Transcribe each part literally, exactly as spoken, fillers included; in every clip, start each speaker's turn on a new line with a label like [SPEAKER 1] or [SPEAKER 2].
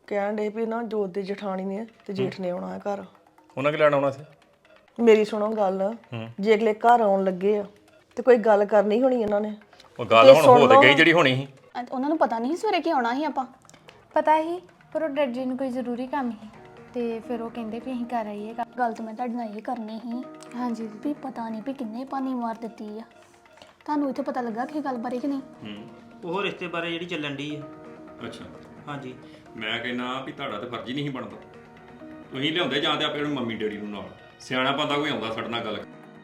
[SPEAKER 1] ਕਹਿਣ ਡੇ ਵੀ ਨਾ ਜੋਤ ਦੀ ਜਠਾਣੀ ਨੇ ਤੇ ਜੇਠ ਨੇ ਆਉਣਾ ਹੈ ਘਰ।
[SPEAKER 2] ਉਹਨਾਂ ਕਿ ਲੈਣ ਆਉਣਾ ਸੀ?
[SPEAKER 1] ਮੇਰੀ ਸੁਣੋ ਗੱਲ, ਜੇ ਅਗਲੇ ਘਰ ਆਉਣ ਲੱਗੇ ਆ ਤੇ ਕੋਈ ਗੱਲ ਕਰਨੀ ਹੋਣੀ ਇਹਨਾਂ ਨੇ।
[SPEAKER 2] ਉਹ ਗੱਲ ਹੁਣ ਹੋ ਤੇ ਗਈ ਜਿਹੜੀ ਹੋਣੀ ਸੀ।
[SPEAKER 3] ਅੱਜ ਉਹਨਾਂ ਨੂੰ ਪਤਾ ਨਹੀਂ ਸਵੇਰੇ ਕੀ ਆਉਣਾ ਸੀ ਆਪਾਂ।
[SPEAKER 4] ਪਤਾ ਹੀ ਪਰ ਉਹ ਡੈਡ ਜੀ ਨੂੰ ਕੋਈ ਜ਼ਰੂਰੀ ਕੰਮ ਸੀ ਤੇ ਫਿਰ ਉਹ ਕਹਿੰਦੇ ਵੀ ਅਸੀਂ ਕਰ ਆਈਏ।
[SPEAKER 3] ਗੱਲ ਤਾਂ ਮੈਂ ਤੁਹਾਡੇ ਨਾਲ ਇਹ ਕਰਨੀ ਸੀ
[SPEAKER 4] ਹਾਂਜੀ
[SPEAKER 3] ਵੀ ਪਤਾ ਨਹੀਂ ਵੀ ਕਿੰਨੇ ਪਾਣੀ ਮਾਰ ਦਿੱਤੀ ਆ। ਤੁਹਾਨੂੰ ਇੱਥੇ ਪਤਾ ਲੱਗਾ ਕਿ ਗੱਲ ਬਾਰੇ ਕਿ ਨਹੀਂ?
[SPEAKER 5] ਹੂੰ ਉਹ ਰਿਸ਼ਤੇ ਬਾਰੇ ਜਿਹੜੀ ਚੱਲਣ ਦੀ ਆ।
[SPEAKER 2] ਅੱਛਾ
[SPEAKER 5] ਹਾਂਜੀ
[SPEAKER 2] ਮੈਂ ਕਹਿੰਦਾ ਵੀ ਤੁਹਾਡਾ ਤੇ ਫਰਜ਼ ਹੀ ਨਹੀਂ ਬਣਦਾ। ਤੁਸੀਂ ਲਿਆਉਂਦੇ ਜਾਂ ਤੇ ਆਪਣੇ ਮੰਮੀ ਡੈਡੀ ਨੂੰ ਨਾਲ, ਸਿਆਣਾ ਬੰਦਾ ਕੋਈ ਆਉਂਦਾ ਸਾਡੇ ਨਾਲ ਗੱਲ।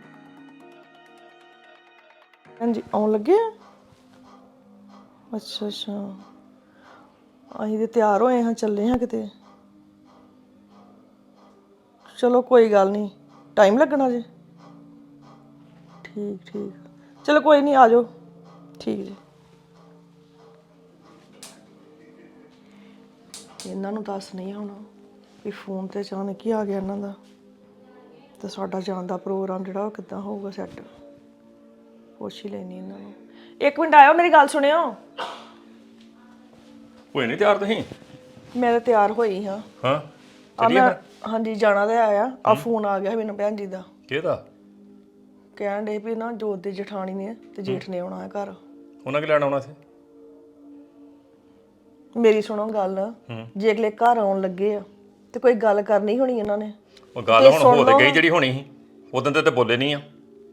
[SPEAKER 1] ਹਾਂਜੀ ਆਉਣ ਲੱਗੇ ਆ? ਅੱਛਾ ਅੱਛਾ ਅਸੀਂ ਤੇ ਤਿਆਰ ਹੋਏ ਹਾਂ, ਚੱਲੇ ਹਾਂ ਕਿਤੇ। ਚਲੋ ਕੋਈ ਗੱਲ ਨਹੀਂ, ਟਾਈਮ ਲੱਗਣਾ ਜੇ? ਠੀਕ ਠੀਕ ਚਲੋ ਕੋਈ ਨਹੀਂ, ਆ ਜਾਓ। ਠੀਕ ਜੀ। ਇਹਨਾਂ ਨੂੰ ਦੱਸ ਨਹੀਂ ਹੋਣਾ ਵੀ ਫੋਨ ਤੇ ਅਚਾਨਕ ਹੀ ਆ ਗਿਆ ਇਹਨਾਂ ਦਾ, ਤੇ ਸਾਡਾ ਜਾਣ ਦਾ ਪ੍ਰੋਗਰਾਮ ਜਿਹੜਾ ਉਹ ਕਿੱਦਾਂ ਹੋਊਗਾ ਸੈੱਟ। ਪੁੱਛ ਹੀ ਲੈਣੀ ਇਹਨਾਂ ਨੂੰ। ਇੱਕ ਮਿੰਟ ਆਇਓ, ਮੇਰੀ ਗੱਲ ਸੁਣਿਓ।
[SPEAKER 2] ਹੋਏ ਨਹੀਂ ਤਿਆਰ ਤੁਸੀਂ?
[SPEAKER 1] ਮੈਂ ਤਾਂ ਤਿਆਰ ਹੋਈ ਹਾਂ।
[SPEAKER 2] ਹਾਂ
[SPEAKER 1] ਆ ਮੈਂ ਹਾਂਜੀ ਜਾਣਾ ਤੇ ਆਇਆ। ਆ ਫੋਨ ਆ ਗਿਆ ਮੈਨੂੰ ਭੈਣ ਜੀ ਦਾ।
[SPEAKER 2] ਕਿਹਦਾ?
[SPEAKER 1] ਕਹਿਣ ਡੇ ਵੀ ਨਾ ਜੋਤ ਦੀ ਜਠਾਣੀ ਨੇ ਤੇ ਜੇਠ ਨੇ ਆਉਣਾ ਹੈ ਘਰ।
[SPEAKER 2] ਉਹਨਾਂ ਕਿ ਲੈਣ ਆਉਣਾ ਸੀ?
[SPEAKER 1] ਮੇਰੀ ਸੁਣੋ ਗੱਲ, ਜੇ ਅਗਲੇ ਘਰ ਆਉਣ ਲੱਗੇ ਆ ਤੇ ਕੋਈ ਗੱਲ ਕਰਨੀ ਹੋਣੀ ਇਹਨਾਂ ਨੇ।
[SPEAKER 2] ਉਹ ਗੱਲ ਹੁਣ ਹੋ ਤੇ ਗਈ ਜਿਹੜੀ ਹੋਣੀ ਸੀ। ਉਦੋਂ ਤੇ ਤੇ ਬੋਲੇ ਨਹੀਂ ਆ।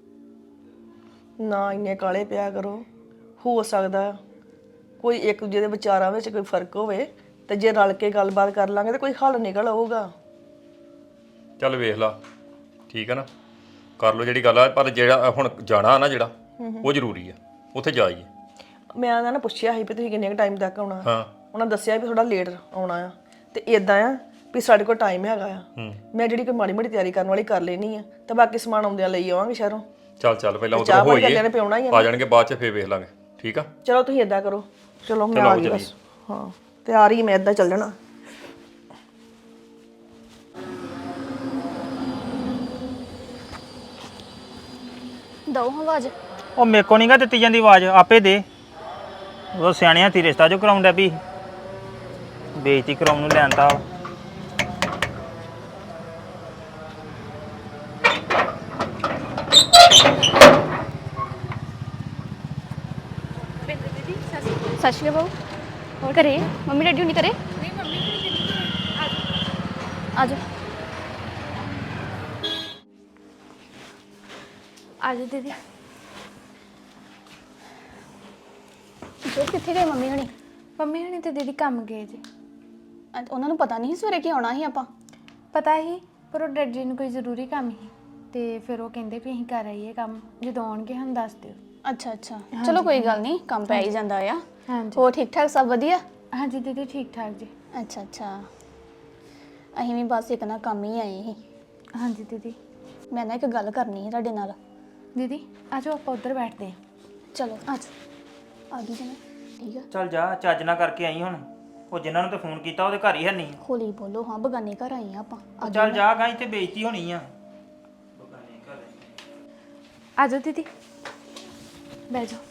[SPEAKER 1] ਨਾ ਇੰਨੇ ਕਾਲੇ ਪਿਆ ਕਰੋ। ਹੋ ਸਕਦਾ ਕੋਈ ਇੱਕ ਦੂਜੇ ਦੇ ਵਿਚਾਰਾਂ ਵਿੱਚ ਕੋਈ ਫਰਕ ਹੋਵੇ ਤੇ ਜੇ ਰਲ ਕੇ ਗੱਲਬਾਤ ਕਰ ਲਾਂਗੇ ਤੇ ਕੋਈ ਹੱਲ ਨਿਕਲ ਆਊਗਾ।
[SPEAKER 2] ਚੱਲ ਵੇਖ ਲਾ, ਠੀਕ ਹੈ ਨਾ, ਕਰ ਲਓ ਜਿਹੜੀ ਗੱਲ ਆ। ਪਰ ਜਿਹੜਾ ਹੁਣ ਜਾਣਾ ਨਾ ਜਿਹੜਾ ਉਹ ਜ਼ਰੂਰੀ ਆ, ਉੱਥੇ ਜਾਈਏ।
[SPEAKER 1] ਮੈਂ ਉਹਨਾਂ ਨੇ ਪੁੱਛਿਆ ਸੀ ਵੀ ਤੁਸੀਂ ਕਿੰਨੇ ਕੁ ਟਾਈਮ ਤੱਕ ਆਉਣਾ।
[SPEAKER 2] ਹਾਂ
[SPEAKER 1] ਉਹਨਾਂ ਦੱਸਿਆ ਵੀ ਥੋੜਾ ਲੇਟ ਆਉਣਾ ਆ ਤੇ ਇਦਾਂ ਆ ਵੀ ਸਾਡੇ ਕੋਲ ਟਾਈਮ ਹੈਗਾ ਆ। ਮੈਂ ਜਿਹੜੀ ਕੋਈ ਮਾੜੀ ਮੋਟੀ ਤਿਆਰੀ ਕਰਨ ਵਾਲੀ ਕਰ ਲੈਣੀ ਆ ਤੇ ਬਾਕੀ ਸਮਾਨ ਆਉਂਦਿਆਂ ਲਈ ਆਵਾਂਗੇ ਸ਼ਹਿਰੋਂ।
[SPEAKER 2] ਚੱਲ ਚੱਲ ਪਹਿਲਾਂ ਉਧਰ ਹੋਈਏ, ਆ ਜਾਣਗੇ ਬਾਅਦ ਚ ਫੇਰ ਵੇਖ ਲਾਂਗੇ। ਠੀਕ ਆ
[SPEAKER 1] ਚਲੋ ਤੁਸੀਂ ਇਦਾਂ ਕਰੋ। ਚਲੋ ਮੈਂ ਆ ਗਈ ਬਸ। ਹਾਂ ਤਿਆਰ ਹੀ ਮੈਂ ਇਦਾਂ ਚੱਲ ਜਾਣਾ।
[SPEAKER 3] ਦਓ ਆਵਾਜ਼।
[SPEAKER 5] ਉਹ ਮੇਰੇ ਕੋ ਨਹੀਂ ਗਾ ਦਿੱਤੀ ਜਾਂਦੀ ਆਵਾਜ਼, ਆਪੇ ਦੇ। ਉਹ ਸਿਆਣੇ ਹੱਥੀ ਰਿਸ਼ਤਾ ਜੋ ਕਰਾਉਂਦਾ ਵੀ ਬੇਇੱਜ਼ਤੀ ਕਰਾਉਣ ਨੂੰ ਲੈਂਦਾ।
[SPEAKER 3] ਸਤਿ ਸ਼੍ਰੀ ਅਕਾਲ। ਹੋਰ ਘਰੇ ਮੰਮੀ ਡੈਡੀ ਹੁਣੀ ਘਰੇ? ਨਹੀਂ ਮੰਮੀ ਆ ਜਾ
[SPEAKER 4] ਆ ਜਾਓ ਦੀਦੀ।
[SPEAKER 3] ਜੋ ਕਿੱਥੇ ਗਏ ਮੰਮੀ ਹੁਣੀ?
[SPEAKER 4] ਮੰਮੀ ਹੁਣੀ ਤੇ ਦੀਦੀ ਕੰਮ ਗਏ ਜੀ।
[SPEAKER 3] ਅੱਜ ਉਹਨਾਂ ਨੂੰ ਪਤਾ ਨਹੀਂ ਸੀ ਸਵੇਰੇ ਕੀ ਆਉਣਾ ਸੀ ਆਪਾਂ।
[SPEAKER 4] ਪਤਾ ਹੀ ਪਰ ਉਹ ਡੈਡ ਜੀ ਨੂੰ ਕੋਈ ਜ਼ਰੂਰੀ ਕੰਮ ਸੀ ਤੇ ਫਿਰ ਉਹ ਕਹਿੰਦੇ ਵੀ ਅਸੀਂ ਕਰ ਆਈਏ ਕੰਮ। ਜਦੋਂ ਆਉਣਗੇ ਸਾਨੂੰ ਦੱਸ ਦਿਓ।
[SPEAKER 3] ਅੱਛਾ ਅੱਛਾ ਚਲੋ ਕੋਈ ਗੱਲ ਨਹੀਂ, ਕੰਮ ਪੈ ਹੀ ਜਾਂਦਾ ਆ।
[SPEAKER 4] ਹਾਂਜੀ
[SPEAKER 3] ਹੋਰ ਠੀਕ ਠਾਕ ਸਭ ਵਧੀਆ?
[SPEAKER 4] ਹਾਂਜੀ ਦੀਦੀ ਠੀਕ ਠਾਕ ਜੀ।
[SPEAKER 3] ਅੱਛਾ ਅੱਛਾ ਅਸੀਂ ਵੀ ਬਸ ਇੱਕ ਨਾ ਕੰਮ ਹੀ ਆਏ ਸੀ।
[SPEAKER 4] ਹਾਂਜੀ ਦੀਦੀ।
[SPEAKER 3] ਮੈਂ ਨਾ ਇੱਕ ਗੱਲ ਕਰਨੀ ਸੀ ਤੁਹਾਡੇ ਨਾਲ।
[SPEAKER 4] ਦੀਦੀ ਆ ਜਾਓ ਆਪਾਂ ਉੱਧਰ ਬੈਠਦੇ ਹਾਂ।
[SPEAKER 3] ਚਲੋ ਅੱਜ ਆ ਗਈ ਜਨਾ। ਠੀਕ ਆ
[SPEAKER 5] ਚੱਲ ਜਾ, ਚੱਜ ਨਾ ਕਰਕੇ ਆਈ ਹੁਣ। ਉਹ ਜਿਨ੍ਹਾਂ ਨੂੰ ਤੇ ਫੋਨ ਕੀਤਾ ਉਹਦੇ ਘਰ ਹੀ ਹੈ ਨਹੀਂ।
[SPEAKER 3] ਹੌਲੀ ਬੋਲੋ। ਹਾਂ ਬਗਾਨੇ ਘਰ ਆਏ ਆ ਆਪਾਂ।
[SPEAKER 5] ਉਹ ਚੱਲ ਜਾ ਗਾ, ਇੱਥੇ ਬੇਇੱਜ਼ਤੀ ਹੋਣੀ ਆ। ਬਗਾਨੇ ਘਰ
[SPEAKER 4] ਆ ਜਾਓ ਦੀਦੀ ਬਹਿ ਜਾਓ।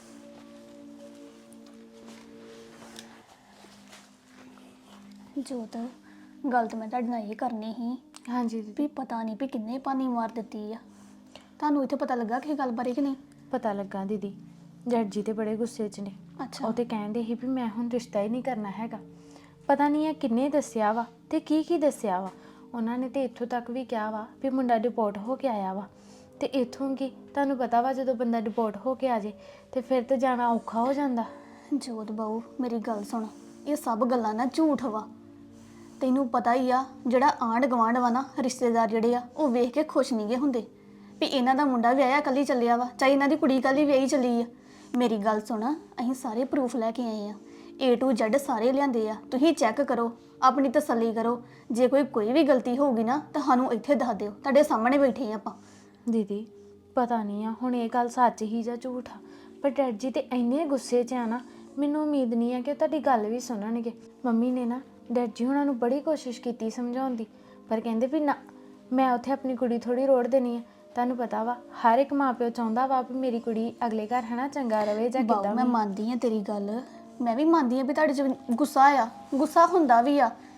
[SPEAKER 3] ਜੋਤ ਗੱਲ ਤਾਂ ਮੈਂ ਤੁਹਾਡੇ ਨਾਲ ਇਹ ਕਰਨੀ ਸੀ
[SPEAKER 4] ਹਾਂਜੀ ਦੀਦੀ।
[SPEAKER 3] ਵੀ ਪਤਾ ਨਹੀਂ ਵੀ ਕਿੰਨੇ ਪਾਣੀ ਮਾਰ ਦਿੱਤੀ ਆ। ਤੁਹਾਨੂੰ ਇੱਥੇ ਪਤਾ ਲੱਗਾ ਕਿ ਗੱਲ ਬਾਰੇ ਕਿ ਨਹੀਂ?
[SPEAKER 4] ਪਤਾ ਲੱਗਾ ਦੀਦੀ, ਡੈਡ ਜੀ ਤੇ ਬੜੇ ਗੁੱਸੇ 'ਚ ਨੇ।
[SPEAKER 3] ਅੱਛਾ
[SPEAKER 4] ਉਹ ਤੇ ਕਹਿੰਦੇ ਸੀ ਵੀ ਮੈਂ ਹੁਣ ਰਿਸ਼ਤਾ ਹੀ ਨਹੀਂ ਕਰਨਾ ਹੈਗਾ। ਪਤਾ ਨਹੀਂ ਇਹ ਕਿੰਨੇ ਦੱਸਿਆ ਵਾ ਤੇ ਕੀ ਕੀ ਦੱਸਿਆ ਵਾ। ਉਹਨਾਂ ਨੇ ਤੇ ਇੱਥੋਂ ਤੱਕ ਵੀ ਕਿਹਾ ਵਾ ਵੀ ਮੁੰਡਾ ਡਿਪੋਰਟ ਹੋ ਕੇ ਆਇਆ ਵਾ। ਤੇ ਇੱਥੋਂ ਕੀ ਤੁਹਾਨੂੰ ਪਤਾ ਵਾ, ਜਦੋਂ ਬੰਦਾ ਡਿਪੋਰਟ ਹੋ ਕੇ ਆ ਜੇ ਤੇ ਫਿਰ ਤਾਂ ਜਾਣਾ ਔਖਾ ਹੋ ਜਾਂਦਾ।
[SPEAKER 3] ਜੋਤ ਬਾਊ ਮੇਰੀ ਗੱਲ ਸੁਣ, ਇਹ ਸਭ ਗੱਲਾਂ ਨਾ ਝੂਠ ਵਾ। ਤੈਨੂੰ ਪਤਾ ਹੀ ਆ ਜਿਹੜਾ ਆਂਢ ਗੁਆਂਢ ਵਾ ਨਾ, ਰਿਸ਼ਤੇਦਾਰ ਜਿਹੜੇ ਆ ਉਹ ਵੇਖ ਕੇ ਖੁਸ਼ ਨਹੀਂਗੇ ਹੁੰਦੇ ਵੀ ਇਹਨਾਂ ਦਾ ਮੁੰਡਾ ਵਿਆਹਿਆ ਕੱਲੀ ਚੱਲਿਆ ਵਾ, ਚਾਹੇ ਇਹਨਾਂ ਦੀ ਕੁੜੀ ਕੱਲੀ ਵਿਆਹੀ ਚੱਲੀ ਆ। ਮੇਰੀ ਗੱਲ ਸੁਣ, ਅਸੀਂ ਸਾਰੇ ਪ੍ਰੂਫ ਲੈ ਕੇ ਆਏ ਆ, ਏ ਟੂ ਜ਼ੈਡ ਸਾਰੇ ਲਿਆਂਦੇ ਆ। ਤੁਸੀਂ ਚੈੱਕ ਕਰੋ, ਆਪਣੀ ਤਸੱਲੀ ਕਰੋ। ਜੇ ਕੋਈ ਕੋਈ ਵੀ ਗਲਤੀ ਹੋਊਗੀ ਨਾ ਤਾਂ ਸਾਨੂੰ ਇੱਥੇ ਦੱਸ ਦਿਓ, ਤੁਹਾਡੇ ਸਾਹਮਣੇ ਬੈਠੇ ਆ ਆਪਾਂ।
[SPEAKER 4] ਦੀਦੀ ਪਤਾ ਨਹੀਂ ਆ ਹੁਣ ਇਹ ਗੱਲ ਸੱਚ ਹੀ ਜਾਂ ਝੂਠ ਆ, ਪਰ ਡੈਡ ਜੀ ਤੇ ਇੰਨੇ ਗੁੱਸੇ 'ਚ ਆ ਨਾ, ਮੈਨੂੰ ਉਮੀਦ ਨਹੀਂ ਆ ਕਿ ਉਹ ਤੁਹਾਡੀ ਗੱਲ ਵੀ ਸੁਣਨਗੇ। ਮੰਮੀ ਨੇ ਨਾ ਡੈਡ ਜੀ ਹੁਣਾਂ ਨੂੰ ਬੜੀ ਕੋਸ਼ਿਸ਼ ਕੀਤੀ ਸਮਝਾਉਣ ਦੀ, ਪਰ ਕਹਿੰਦੇ ਵੀ ਨਾ ਮੈਂ ਉੱਥੇ ਆਪਣੀ ਕੁੜੀ ਥੋੜੀ ਰੋੜ ਦੇਣੀ ਆ। ਤੁਹਾਨੂੰ ਪਤਾ ਵਾ ਹਰ ਇੱਕ ਮਾਂ ਪਿਓ ਚਾਹੁੰਦਾ ਵਾ ਵੀ ਮੇਰੀ ਕੁੜੀ ਅਗਲੇ ਘਰ ਹੈ ਨਾ ਚੰਗਾ ਰਵੇ ਜਾਂ ਕਿੱਦਾਂ।
[SPEAKER 3] ਮੈਂ ਮੰਨਦੀ ਆ ਤੇਰੀ ਗੱਲ, ਮੈਂ ਵੀ ਮੰਨਦੀ ਆ ਵੀ ਤੁਹਾਡੇ 'ਚ ਗੁੱਸਾ ਆ, ਗੁੱਸਾ ਹੁੰਦਾ ਵੀ ਆ,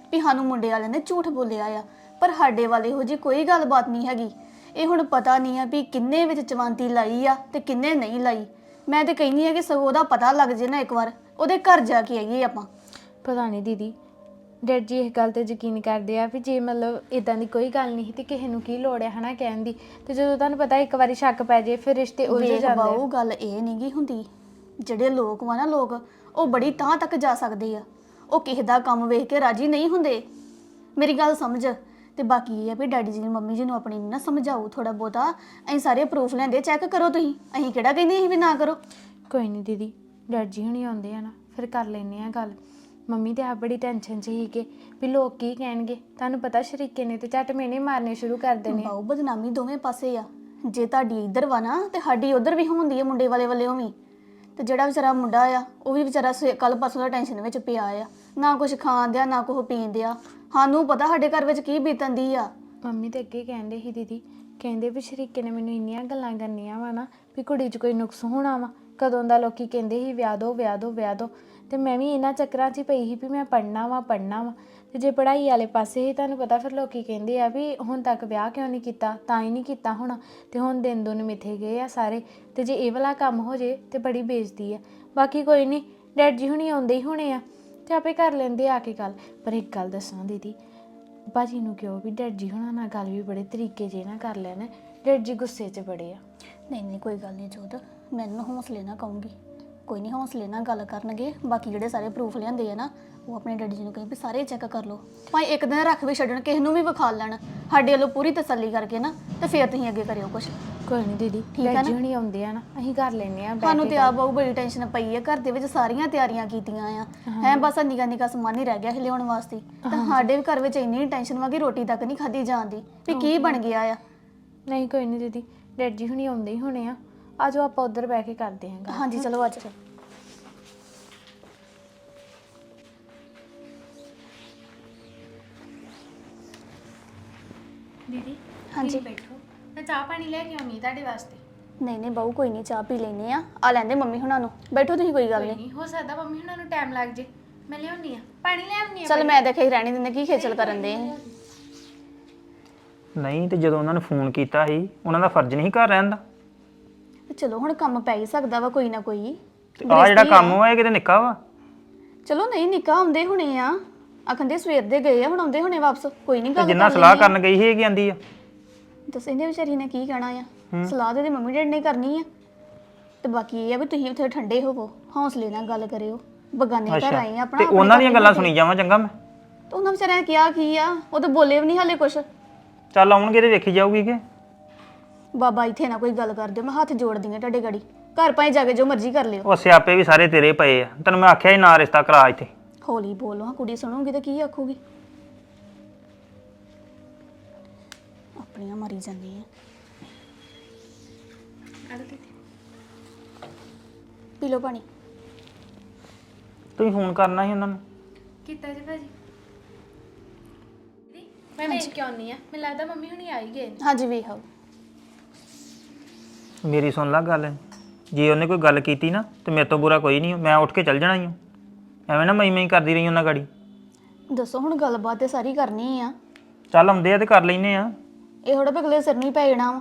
[SPEAKER 3] ਵੀ ਸਾਨੂੰ ਮੁੰਡੇ ਵਾਲਿਆਂ ਨੇ ਝੂਠ ਬੋਲਿਆ ਆ, ਪਰ ਸਾਡੇ ਵਾਲੇ ਇਹੋ ਜਿਹੀ ਕੋਈ ਗੱਲਬਾਤ ਨਹੀਂ ਹੈਗੀ। ਇਹ ਹੁਣ ਪਤਾ ਨਹੀਂ ਆ ਵੀ ਕਿੰਨੇ ਵਿੱਚ ਚਵੰਤੀ ਲਾਈ ਆ ਤੇ ਕਿੰਨੇ ਨਹੀਂ ਲਾਈ। ਮੈਂ ਤੇ ਕਹਿੰਦੀ ਆ ਕਿ ਸਗੋਂ ਉਹਦਾ ਪਤਾ ਲੱਗ ਜੇ ਨਾ ਇੱਕ ਵਾਰ, ਉਹਦੇ ਘਰ ਜਾ ਕੇ ਆਈਏ ਆਪਾਂ।
[SPEAKER 4] ਪਤਾ ਨਹੀਂ ਦੀਦੀ, ਡੈਡ ਜੀ ਇਹ ਗੱਲ ਤੇ ਯਕੀਨ ਕਰਦੇ ਆ ਵੀ ਜੇ ਮਤਲਬ ਇਦਾਂ ਦੀ ਕੋਈ ਗੱਲ ਨਹੀਂ ਤੇ ਕਿਸੇ ਨੂੰ ਕੀ ਲੋੜ ਹੈ ਹਨਾ ਕਹਿਣ ਦੀ, ਤੇ ਜਦੋਂ ਤੁਹਾਨੂੰ ਪਤਾ ਇੱਕ ਵਾਰੀ ਸ਼ੱਕ ਪੈ ਜੇ ਫਿਰ ਰਿਸ਼ਤੇ ਉਲਝ
[SPEAKER 3] ਵੇਖ
[SPEAKER 4] ਜਾਂਦੇ ਆ।
[SPEAKER 3] ਬਾਊ, ਗੱਲ ਇਹ ਨਹੀਂ ਗੀ ਹੁੰਦੀ, ਜਿਹੜੇ ਲੋਕ ਵਾ ਨਾ ਲੋਕ ਉਹ ਬੜੀ ਤਾਂ ਤੱਕ ਜਾ ਸਕਦੇ ਆ, ਉਹ ਕਿਸੇ ਦਾ ਕੰਮ ਵੇਖ ਕੇ ਰਾਜੀ ਨਹੀਂ ਹੁੰਦੇ। ਮੇਰੀ ਗੱਲ ਸਮਝ। ਤੇ ਬਾਕੀ ਇਹ ਆ ਵੀ ਡੈਡੀ ਜੀ ਨੇ ਮੰਮੀ ਜੀ ਨੂੰ ਆਪਣੀ ਨੂੰ ਨਾ ਸਮਝਾਓ ਥੋੜਾ ਬਹੁਤਾ। ਅਸੀਂ ਸਾਰੇ ਪ੍ਰੂਫ ਲੈਂਦੇ, ਚੈੱਕ ਕਰੋ ਤੁਸੀਂ, ਅਸੀਂ ਕਿਹੜਾ ਕਹਿੰਦੇ ਅਸੀਂ ਵੀ ਨਾ ਕਰੋ।
[SPEAKER 4] ਕੋਈ ਨਹੀਂ ਦੀਦੀ, ਡੈਡ ਜੀ ਹੁਣੀ ਆਉਂਦੇ ਆ ਨਾ ਫਿਰ ਕਰ ਲੈਨੇ ਆ ਗੱਲ। ਮੰਮੀ ਤੇ ਆ ਬੜੀ ਟੈਨਸ਼ਨ 'ਚ ਸੀਗੇ ਵੀ ਲੋਕ ਕੀ ਕਹਿਣਗੇ। ਤੁਹਾਨੂੰ ਪਤਾ ਸ਼ਰੀਕੇ ਨੇ ਤੇ ਝੱਟ ਮੇਨੇ ਮਾਰਨੇ ਸ਼ੁਰੂ ਕਰ ਦੇਣੇ।
[SPEAKER 3] ਬਾਊ, ਬਦਨਾਮੀ ਦੋਵੇਂ ਪਾਸੇ ਆ। ਜੇ ਤੁਹਾਡੀ ਇੱਧਰ ਵਾ ਨਾ ਤੇ ਸਾਡੀ ਉੱਧਰ ਵੀ ਹੁੰਦੀ ਹੈ ਮੁੰਡੇ ਵਾਲੇ ਵੱਲੋਂ ਵੀ। ਤੇ ਜਿਹੜਾ ਵਿਚਾਰਾ ਮੁੰਡਾ ਆ ਉਹ ਵੀ ਵਿਚਾਰਾ ਕੱਲ ਪਰਸੋਂ ਦਾ ਟੈਨਸ਼ਨ ਵਿੱਚ ਪਿਆ ਆ, ਨਾ ਕੁਝ ਖਾਣ ਦਿਆ ਨਾ ਕੁਝ ਪੀਣ ਦਿਆ। ਸਾਨੂੰ ਪਤਾ ਸਾਡੇ ਘਰ ਵਿੱਚ ਕੀ ਬੀਤਣ ਦੀ ਆ।
[SPEAKER 4] ਮੰਮੀ ਤੇ ਅੱਗੇ ਕਹਿੰਦੇ ਸੀ ਦੀਦੀ, ਕਹਿੰਦੇ ਵੀ ਸ਼ਰੀਕੇ ਨੇ ਮੈਨੂੰ ਇੰਨੀਆਂ ਗੱਲਾਂ ਕਰਨੀਆਂ ਵਾ ਨਾ ਵੀ ਕੁੜੀ 'ਚ ਕੋਈ ਨੁਕਸ ਹੋਣਾ ਵਾ। ਕਦੋਂ ਦਾ ਲੋਕੀ ਕਹਿੰਦੇ ਸੀ ਵਿਆਹ ਦੋ ਵਿਆਹ ਦੋ ਵਿਆਹ ਦੋ, ਤੇ ਮੈਂ ਵੀ ਇਹਨਾਂ ਚੱਕਰਾਂ 'ਚ ਹੀ ਪਈ ਸੀ ਵੀ ਮੈਂ ਪੜ੍ਹਨਾ ਵਾ ਪੜ੍ਹਨਾ ਵਾ। ਤੇ ਜੇ ਪੜ੍ਹਾਈ ਵਾਲੇ ਪਾਸੇ ਹੀ ਤੁਹਾਨੂੰ ਪਤਾ ਫਿਰ ਲੋਕੀ ਕਹਿੰਦੇ ਆ ਵੀ ਹੁਣ ਤੱਕ ਵਿਆਹ ਕਿਉਂ ਨਹੀਂ ਕੀਤਾ, ਤਾਂ ਹੀ ਨਹੀਂ ਕੀਤਾ ਹੋਣਾ। ਤੇ ਹੁਣ ਦਿਨ ਦੁਨ ਮਿੱਥੇ ਗਏ ਆ ਸਾਰੇ, ਤੇ ਜੇ ਇਹ ਵਾਲਾ ਕੰਮ ਹੋ ਜੇ ਤੇ ਬੜੀ ਬੇਇੱਜ਼ਤੀ ਆ। ਬਾਕੀ ਕੋਈ ਨਹੀਂ, ਡੈਡ ਜੀ ਹੁਣੀ ਆਉਂਦੇ ਹੀ ਹੋਣੇ ਆ ਤੇ ਆਪੇ ਕਰ ਲੈਂਦੇ ਆ ਕੇ ਗੱਲ। ਪਰ ਇੱਕ ਗੱਲ ਦੱਸਾਂ ਦੀਦੀ, ਭਾਜੀ ਨੂੰ ਕਿਉਂ ਵੀ ਡੈਡ ਜੀ ਹੁਣਾਂ ਨਾਲ ਗੱਲ ਵੀ ਬੜੇ ਤਰੀਕੇ ਜੇ ਨਾ ਕਰ ਲੈਣ। ਡੈਡ ਜੀ ਗੁੱਸੇ 'ਚ ਬੜੇ ਆ।
[SPEAKER 3] ਨਹੀਂ ਨਹੀਂ ਕੋਈ ਗੱਲ ਨਹੀਂ ਜੋਤ, ਮੈਂ ਇਹਨਾਂ ਨੂੰ ਹੌਸਲੇ ਨਾਲ ਕਹੂੰਗੀ। ਕੋਈ ਨਹੀਂ, ਹੌਸਲੇ ਨਾਲ ਗੱਲ ਕਰਨਗੇ। ਬਾਕੀ ਜਿਹੜੇ ਸਾਰੇ ਪ੍ਰੂਫ ਲਿਆਂਦੇ ਆ ਨਾ ਉਹ ਆਪਣੇ ਡੈਡੀ ਜੀ ਨੂੰ ਕਹੀ ਵੀ ਸਾਰੇ ਚੈੱਕ ਕਰ ਲਓ। ਭਾਵੇਂ ਇੱਕ ਦਿਨ ਰੱਖ ਵੀ ਛੱਡਣ, ਕਿਸੇ ਨੂੰ ਵੀ ਵਿਖਾ ਲੈਣ, ਸਾਡੇ ਵੱਲੋਂ ਪੂਰੀ ਤਸੱਲੀ ਕਰਕੇ ਨਾ ਤੇ ਫਿਰ ਤੁਸੀਂ ਅੱਗੇ ਕਰਿਓ ਕੁਛ।
[SPEAKER 4] ਕੋਈ ਨਹੀਂ ਦੀਦੀ, ਡੈਡ ਜੀ ਹੁਣੀ ਆਉਂਦੇ ਆ ਨਾ ਅਸੀਂ ਕਰ ਲੈਨੇ ਆ।
[SPEAKER 3] ਸਾਨੂੰ ਤੇ ਆ ਬਹੁ ਬੜੀ ਟੈਨਸ਼ਨ ਪਈ ਆ, ਘਰ ਦੇ ਵਿੱਚ ਸਾਰੀਆਂ ਤਿਆਰੀਆਂ ਕੀਤੀਆਂ ਆ ਹੈ, ਬਸ ਨਿੱਕਾ ਨਿੱਕਾ ਸਮਾਨ ਹੀ ਰਹਿ ਗਿਆ ਲਿਆਉਣ ਵਾਸਤੇ। ਤਾਂ ਸਾਡੇ ਵੀ ਘਰ ਵਿੱਚ ਇੰਨੀ ਟੈਨਸ਼ਨ ਵਾ ਕਿ ਰੋਟੀ ਤੱਕ ਨਹੀਂ ਖਾਧੀ ਜਾਂਦੀ ਵੀ ਕੀ ਬਣ ਗਿਆ ਆ।
[SPEAKER 4] ਨਹੀਂ ਕੋਈ ਨਹੀਂ ਦੀਦੀ, ਡੈਡ ਜੀ ਹੁਣੀ ਆਉਂਦੇ ਹੀ ਹੋਣੇ ਆ। ਆ ਜਾਓ ਆਪਾਂ ਉੱਧਰ ਬਹਿ ਕੇ ਕਰਦੇ ਹਾਂ ਗੱਲ।
[SPEAKER 3] ਹਾਂਜੀ ਚਲੋ ਅੱਜ
[SPEAKER 4] ਦੀਦੀ
[SPEAKER 3] ਹਾਂਜੀ
[SPEAKER 4] ਬੈਠੋ, ਮੈਂ ਚਾਹ ਪਾਣੀ ਲੈ ਕੇ ਆਉਣੀ ਤੁਹਾਡੇ ਵਾਸਤੇ।
[SPEAKER 3] ਨਹੀਂ ਨਹੀਂ ਬਾਊ ਕੋਈ ਨਹੀਂ, ਚਾਹ ਪੀ ਲੈਨੇ ਆ। ਆ ਲੈਂਦੇ ਮੰਮੀ ਹੁਣਾਂ ਨੂੰ, ਬੈਠੋ ਤੁਸੀਂ, ਕੋਈ ਗੱਲ ਨਹੀਂ।
[SPEAKER 4] ਨਹੀਂ ਹੋ ਸਕਦਾ ਮੰਮੀ ਹੁਣਾਂ ਨੂੰ ਟਾਈਮ ਲੱਗ ਜੇ, ਮੈਂ ਲਿਆਉਣੀ ਆ ਪਾਣੀ ਲੈ ਆਉਣੀ ਆ।
[SPEAKER 3] ਚਲ ਮੈਂ ਦੇਖੇ ਹੀ ਰਹਿਣੀ ਦਿੰਦੇ ਕੀ ਖੇਚਲ ਕਰਨ ਦੇ।
[SPEAKER 5] ਨਹੀਂ ਤੇ ਜਦੋਂ ਉਹਨਾਂ ਨੇ ਫੋਨ ਕੀਤਾ ਸੀ ਉਹਨਾਂ ਦਾ ਫਰਜ਼ ਨਹੀਂ ਘਰ ਰਹਿਣ ਦਾ।
[SPEAKER 3] ਚਲੋ ਹੁਣ ਕੰਮ ਪੈ ਹੀ ਸਕਦਾ ਵਾ ਕੋਈ ਨਾ ਕੋਈ।
[SPEAKER 5] ਤੇ ਆ ਜਿਹੜਾ ਕੰਮ ਵਾ ਇਹ ਕਿਤੇ ਨਿੱਕਾ ਵਾ।
[SPEAKER 3] ਚਲੋ ਨਹੀਂ ਨਿੱਕਾ, ਆਉਂਦੇ ਹੁਣੇ ਆ, ਆਖੰਦੇ ਸਵੇਰ ਦੇ ਗਏ ਆ, ਹੁਣ ਆਉਂਦੇ ਹੁਣੇ ਵਾਪਸ। ਕੋਈ ਨਹੀਂ
[SPEAKER 5] ਤੇ
[SPEAKER 3] ਗੱਲ
[SPEAKER 5] ਜਿੰਨਾ ਸਲਾਹ ਕਰਨ ਗਈ ਸੀ ਇਹ ਕੀ ਆਂਦੀ ਆ।
[SPEAKER 3] ਦੱਸ ਇਹਨੇ ਵਿਚਾਰੀ ਨੇ ਕੀ ਕਹਿਣਾ ਆ। ਸਲਾਹ ਤੇ ਮੰਮੀ ਡੈਡੀ ਨੇ ਕਰਨੀ ਆ। ਤੇ ਬਾਕੀ ਇਹ ਆ ਵੀ ਤੁਸੀਂ ਉੱਥੇ ਠੰਡੇ ਹੋਵੋ, ਹੌਸਲੇ ਨਾਲ ਗੱਲ ਕਰਿਓ। ਬਗਾਨੇ ਘਰ ਆਏ ਆ ਆਪਣਾ,
[SPEAKER 5] ਤੇ ਉਹਨਾਂ ਦੀਆਂ ਗੱਲਾਂ ਸੁਣੀ ਜਾਵਾਂ ਚੰਗਾ ਮੈਂ।
[SPEAKER 3] ਤੇ ਉਹਨਾਂ ਵਿਚਾਰਿਆਂ ਨੇ ਕਿਹਾ ਕੀ ਆ, ਉਹ ਤਾਂ ਬੋਲੇ ਵੀ ਨਹੀਂ ਹਾਲੇ ਕੁਛ।
[SPEAKER 5] ਚੱਲ ਆਉਣਗੇ ਤੇ ਵੇਖੀ ਜਾਊਗੀ ਕਿ
[SPEAKER 3] ਬਾਬਾ ਇੱਥੇ ਨਾ ਕੋਈ ਗੱਲ ਕਰ ਦਿਓ, ਮੈਂ ਹੱਥ ਜੋੜਦੀ ਆ ਤੁਹਾਡੇ ਗਾੜੀ। ਘਰ ਭਾਵੇਂ ਜਾ ਕੇ ਜੋ ਮਰਜ਼ੀ ਕਰ ਲਿਓ।
[SPEAKER 5] ਉਹ ਸਿਆਪੇ ਵੀ ਸਾਰੇ ਤੇਰੇ ਪਏ ਆ। ਤੈਨੂੰ ਮੈਂ ਆਖਿਆ ਸੀ ਨਾ ਰਿਸ਼ਤਾ ਕਰਾ ਇੱਥੇ।
[SPEAKER 3] ਹੌਲੀ ਬੋਲੋ, ਹਾਂ ਕੁੜੀ ਸੁਣੂਗੀ ਤਾਂ ਕੀ ਆਖੂਗੀ। ਆਪਣੀਆਂ ਮਰੀ ਜਾਂਦੀ ਆ। ਪੀ ਲਓ ਪਾਣੀ।
[SPEAKER 5] ਤੁਸੀਂ ਫੋਨ ਕਰਨਾ ਸੀ ਉਹਨਾਂ ਨੂੰ।
[SPEAKER 4] ਕੀਤਾ ਜੀ ਭਾਜੀ। ਦੀਦੀ ਮੈਂ ਵੇਖ ਕੇ ਆਉਣੀ ਆ, ਮੈਨੂੰ ਲੱਗਦਾ ਮੰਮੀ ਹੁਣੀ ਆ ਹੀ ਗਏ।
[SPEAKER 3] ਹਾਂਜੀ ਵੇਖ ਆਓ।
[SPEAKER 5] ਮੇਰੀ ਸੁਣ ਲੈ ਗੱਲ, ਜੇ ਉਹਨੇ ਕੋਈ ਗੱਲ ਕੀਤੀ ਨਾ ਤੇ ਮੇਰੇ ਤੋਂ ਬੁਰਾ ਕੋਈ ਨਹੀਂ, ਮੈਂ ਉੱਠ ਕੇ ਚੱਲ ਜਾਣਾ ਹੀ। ਐਵੇਂ ਨਾ ਮੈਂ ਮੈਂ ਕਰਦੀ ਰਹੀ ਉਹਨਾਂ ਗਾੜੀ।
[SPEAKER 3] ਦੱਸੋ ਹੁਣ ਗੱਲਬਾਤ ਤੇ ਸਾਰੀ ਕਰਨੀ ਆ।
[SPEAKER 5] ਚੱਲ ਆਉਂਦੇ ਆ ਤੇ ਕਰ ਲੈਨੇ ਆ।
[SPEAKER 3] ਇਹ ਥੋੜਾ ਬਗਲੇ ਸਿਰ ਨੂੰ ਹੀ ਪੈ ਜਾਣਾ ਵਾ।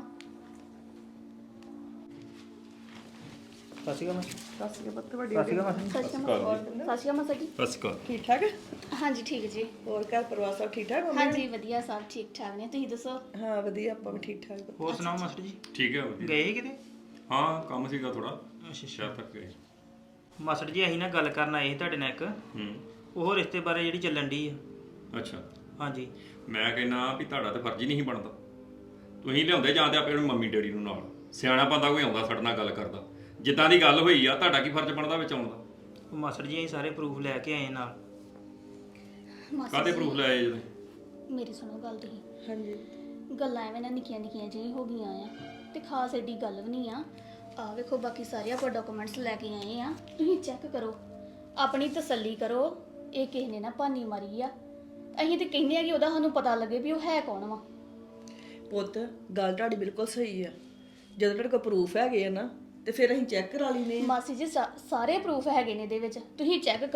[SPEAKER 5] ਸਸੀ ਕਾ
[SPEAKER 1] ਸਸੀ ਪੁੱਤ ਵੱਡੀ
[SPEAKER 5] ਸਸੀ ਕਾ
[SPEAKER 3] ਸਤਿ ਸ਼੍ਰੀ ਅਕਾਲ ਮਾਸਾ ਜੀ।
[SPEAKER 2] ਬਸ ਕਰ।
[SPEAKER 1] ਠੀਕ ਠਾਕ।
[SPEAKER 3] ਹਾਂਜੀ ਠੀਕ ਜੀ।
[SPEAKER 1] ਹੋਰ ਘਰ ਪਰਿਵਾਰ ਸਭ ਠੀਕ ਠਾਕ?
[SPEAKER 3] ਹਾਂਜੀ ਵਧੀਆ, ਸਭ ਠੀਕ ਠਾਕ ਨੇ। ਤੁਸੀਂ ਦੱਸੋ?
[SPEAKER 1] ਹਾਂ ਵਧੀਆ, ਆਪਾਂ ਵੀ ਠੀਕ ਠਾਕ।
[SPEAKER 5] ਹੋਰ ਸੁਣਾਓ ਮਾਸਟਰ ਜੀ,
[SPEAKER 2] ਠੀਕ ਹੈ ਵਧੀਆ।
[SPEAKER 5] ਗਏ ਕਿਤੇ?
[SPEAKER 2] ਹਾਂ ਕੰਮ ਸੀਗਾ ਥੋੜਾ, ਸ਼ਹਿਰ ਤੱਕ ਗਏ।
[SPEAKER 5] ਮਾਸਟਰ ਜੀ ਅਸੀਂ ਨਾ ਗੱਲ ਕਰਨ ਆਏ ਸੀ ਤੁਹਾਡੇ ਨਾਲ ਇੱਕ,
[SPEAKER 2] ਹੂੰ
[SPEAKER 5] ਉਹ ਰਿਸ਼ਤੇ ਬਾਰੇ ਜਿਹੜੀ ਚੱਲਣ ਦੀ ਆ।
[SPEAKER 2] ਅੱਛਾ,
[SPEAKER 5] ਹਾਂਜੀ
[SPEAKER 2] ਮੈਂ ਕਹਿੰਦਾ ਵੀ ਤੁਹਾਡਾ ਤਾਂ ਫਰਜ਼ ਹੀ ਨਹੀਂ ਬਣਦਾ। ਤੁਸੀਂ ਲਿਆਉਂਦੇ ਜਾਂ ਤੇ ਆਪਣੇ ਮੰਮੀ ਡੈਡੀ ਨੂੰ ਨਾਲ। ਸਿਆਣਾ ਬੰਦਾ ਕੋਈ ਆਉਂਦਾ ਸਾਡੇ ਨਾਲ ਗੱਲ ਕਰਦਾ। ਜਿੱਦਾਂ ਦੀ ਗੱਲ ਹੋਈ ਆ ਤੁਹਾਡਾ ਕੀ ਫਰਜ਼ ਬਣਦਾ ਵਿੱਚ ਆਉਣ ਦਾ?
[SPEAKER 5] ਉਹ ਮਾਸਟਰ ਜੀ ਅਸੀਂ ਸਾਰੇ ਪ੍ਰੂਫ ਲੈ ਕੇ ਆਏ ਨਾਲ।
[SPEAKER 2] ਕਾਹਦੇ ਪ੍ਰੂਫ ਲੈ ਆਏ ਜਦੋਂ?
[SPEAKER 3] ਮੇਰੀ ਸੁਣੋ ਗੱਲ ਤੁਸੀਂ।
[SPEAKER 1] ਹਾਂਜੀ
[SPEAKER 3] ਗੱਲਾਂ ਐਵੇਂ ਨਾ ਨਿੱਕੀਆਂ ਨਿੱਕੀਆਂ ਜਿਹੀ ਹੋ ਗਈਆਂ ਆ ਤੇ ਖਾਸ ਏਡੀ ਗੱਲ ਵੀ ਨਹੀਂ ਆ। ਆ ਵੇਖੋ ਬਾਕੀ ਸਾਰੇ ਆਪਾਂ ਡਾਕੂਮੈਂਟਸ ਲੈ ਕੇ ਆਏ ਆ, ਤੁਸੀਂ ਚੈੱਕ ਕਰੋ, ਆਪਣੀ ਤਸੱਲੀ ਕਰੋ। ਇਹ ਕਿਸੇ ਨੇ ਨਾ ਭਾਨੀ ਮਾਰੀ ਆ। ਅਸੀਂ ਤੇ ਕਹਿੰਦੇ ਆ ਕਿ ਉਹਦਾ ਸਾਨੂੰ ਪਤਾ ਲੱਗੇ ਵੀ ਉਹ ਹੈ ਕੌਣ ਵਾ।
[SPEAKER 1] ਪੁੱਤ, ਗੱਲ ਤੁਹਾਡੀ ਬਿਲਕੁਲ ਸਹੀ ਆ। ਜਦੋਂ ਤੁਹਾਡੇ ਕੋਲ ਪ੍ਰੂਫ ਹੈਗੇ ਆ ਨਾ ਤੇ ਫਿਰ ਅਸੀਂ ਚੈੱਕ ਕਰਾ ਲੈਨੇ ਆ।
[SPEAKER 3] ਮਾਸੀ ਜੀ ਸਾ- ਸਾਰੇ ਪ੍ਰੂਫ ਹੈਗੇ ਨੇ ਇਹਦੇ ਵਿੱਚ, ਤੁਸੀਂ ਚੈੱਕ ਕਰੋ।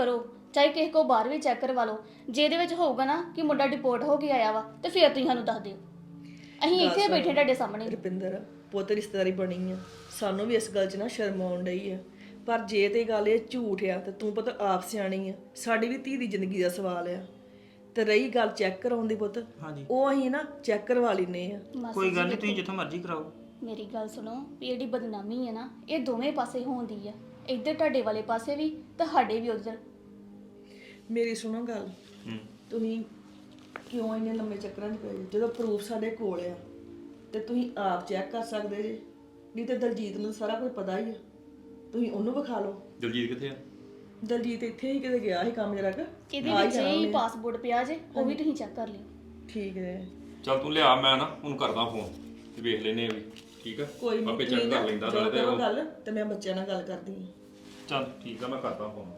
[SPEAKER 3] ਚਾਹੇ ਕਿਸੇ ਕੋ ਬਾਹਰ ਵੀ ਚੈੱਕ ਕਰਵਾ ਲਓ। ਜੇ ਇਹਦੇ ਵਿੱਚ ਹੋਊਗਾ ਨਾ ਕਿ ਮੁੰਡਾ ਡਿਪੋਰਟ ਹੋ ਕੇ ਆਇਆ ਵਾ ਤੇ ਫਿਰ ਤੁਸੀਂ ਸਾਨੂੰ ਦੱਸ ਦਿਓ। ਅਸੀਂ ਇੱਥੇ ਬੈਠੇ ਤੁਹਾਡੇ ਸਾਹਮਣੇ।
[SPEAKER 1] ਰੁਪਿੰਦਰ ਪੁੱਤ ਰਿਸ਼ਤੇਦਾਰੀ ਬਣੀ ਆ, ਸਾਨੂੰ ਵੀ ਇਸ ਗੱਲ 'ਚ ਨਾ ਸ਼ਰਮ ਆਉਣ ਡਈ ਆ, ਪਰ ਜੇ ਤੇ ਗੱਲ ਇਹ ਝੂਠ ਆ ਤੇ ਤੂੰ ਪੁੱਤ ਆਪ ਸਿਆਣੀ ਆ, ਸਾਡੀ ਵੀ ਧੀ ਦੀ ਜ਼ਿੰਦਗੀ ਦਾ ਸਵਾਲ ਆ। ਤੇ ਰਹੀ ਗੱਲ ਚੈੱਕ ਕਰਾਉਣ ਦੀ ਪੁੱਤ,
[SPEAKER 5] ਹਾਂਜੀ
[SPEAKER 1] ਉਹ ਅਸੀਂ ਨਾ ਚੈੱਕ ਕਰਵਾ ਲੈਨੇ ਆ।
[SPEAKER 5] ਕੋਈ ਗੱਲ ਨਹੀਂ, ਤੁਸੀਂ ਜਿੱਥੋਂ ਮਰਜ਼ੀ ਕਰਾਓ।
[SPEAKER 3] ਮੇਰੀ ਗੱਲ ਸੁਣੋ ਵੀ ਜਿਹੜੀ ਬਦਨਾਮੀ ਹੈ ਨਾ ਇਹ ਦੋਵੇਂ ਪਾਸੇ ਹੋਉਂਦੀ ਆ, ਇੱਧਰ ਤੁਹਾਡੇ ਵਾਲੇ ਪਾਸੇ ਵੀ ਤੇ ਸਾਡੇ ਵੀ ਉੱਧਰ।
[SPEAKER 1] ਮੇਰੀ ਸੁਣੋ ਗੱਲ, ਤੁਸੀਂ ਕਿਉਂ ਇੰਨੇ ਲੰਮੇ ਚੱਕਰਾਂ 'ਚ ਪਏ ਜੇ? ਜਦੋਂ ਪ੍ਰੂਫ ਸਾਡੇ ਕੋਲ ਆ ਤੇ ਤੁਸੀਂ ਆਪ ਚੈੱਕ ਕਰ ਸਕਦੇ ਜੇ, ਨਹੀਂ ਤੇ ਦਲਜੀਤ ਨੂੰ ਸਾਰਾ ਕੁਝ ਪਤਾ ਹੀ ਆ, ਤੁਸੀਂ ਉਹਨੂੰ ਵਿਖਾ ਲਓ।
[SPEAKER 2] ਦਲਜੀਤ ਕਿੱਥੇ ਆ?
[SPEAKER 1] ਦਲਜੀਤ ਇੱਥੇ ਹੀ ਕਿਤੇ ਗਿਆ ਸੀ ਕੰਮ ਜਰਾ ਕੁ।
[SPEAKER 3] ਇਹਦੇ ਵਿੱਚ ਹੀ ਪਾਸਪੋਰਟ ਪਿਆ ਜੇ, ਉਹ ਵੀ ਤੁਸੀਂ ਚੈੱਕ ਕਰ ਲਿਓ।
[SPEAKER 1] ਠੀਕ ਹੈ,
[SPEAKER 2] ਚੱਲ ਤੂੰ ਲਿਆ, ਮੈਂ ਨਾ ਉਹਨੂੰ ਕਰਦਾ ਫੋਨ ਤੇ ਵੇਖ ਲੈਨੇ ਆ ਵੀ। ਠੀਕ ਆ,
[SPEAKER 1] ਕੋਈ ਨਹੀਂ
[SPEAKER 2] ਆਪੇ ਚੈੱਕ ਕਰ ਲੈਂਦਾ ਨਾਲੇ ਤੇ
[SPEAKER 1] ਕਰੋ
[SPEAKER 2] ਉਹ-
[SPEAKER 1] ਗੱਲ ਤੇ ਮੈਂ ਬੱਚਿਆਂ ਨਾਲ ਗੱਲ ਕਰਦੀ ਹਾਂ।
[SPEAKER 2] ਚੱਲ ਠੀਕ ਆ, ਮੈਂ ਕਰਦਾ ਫੋਨ।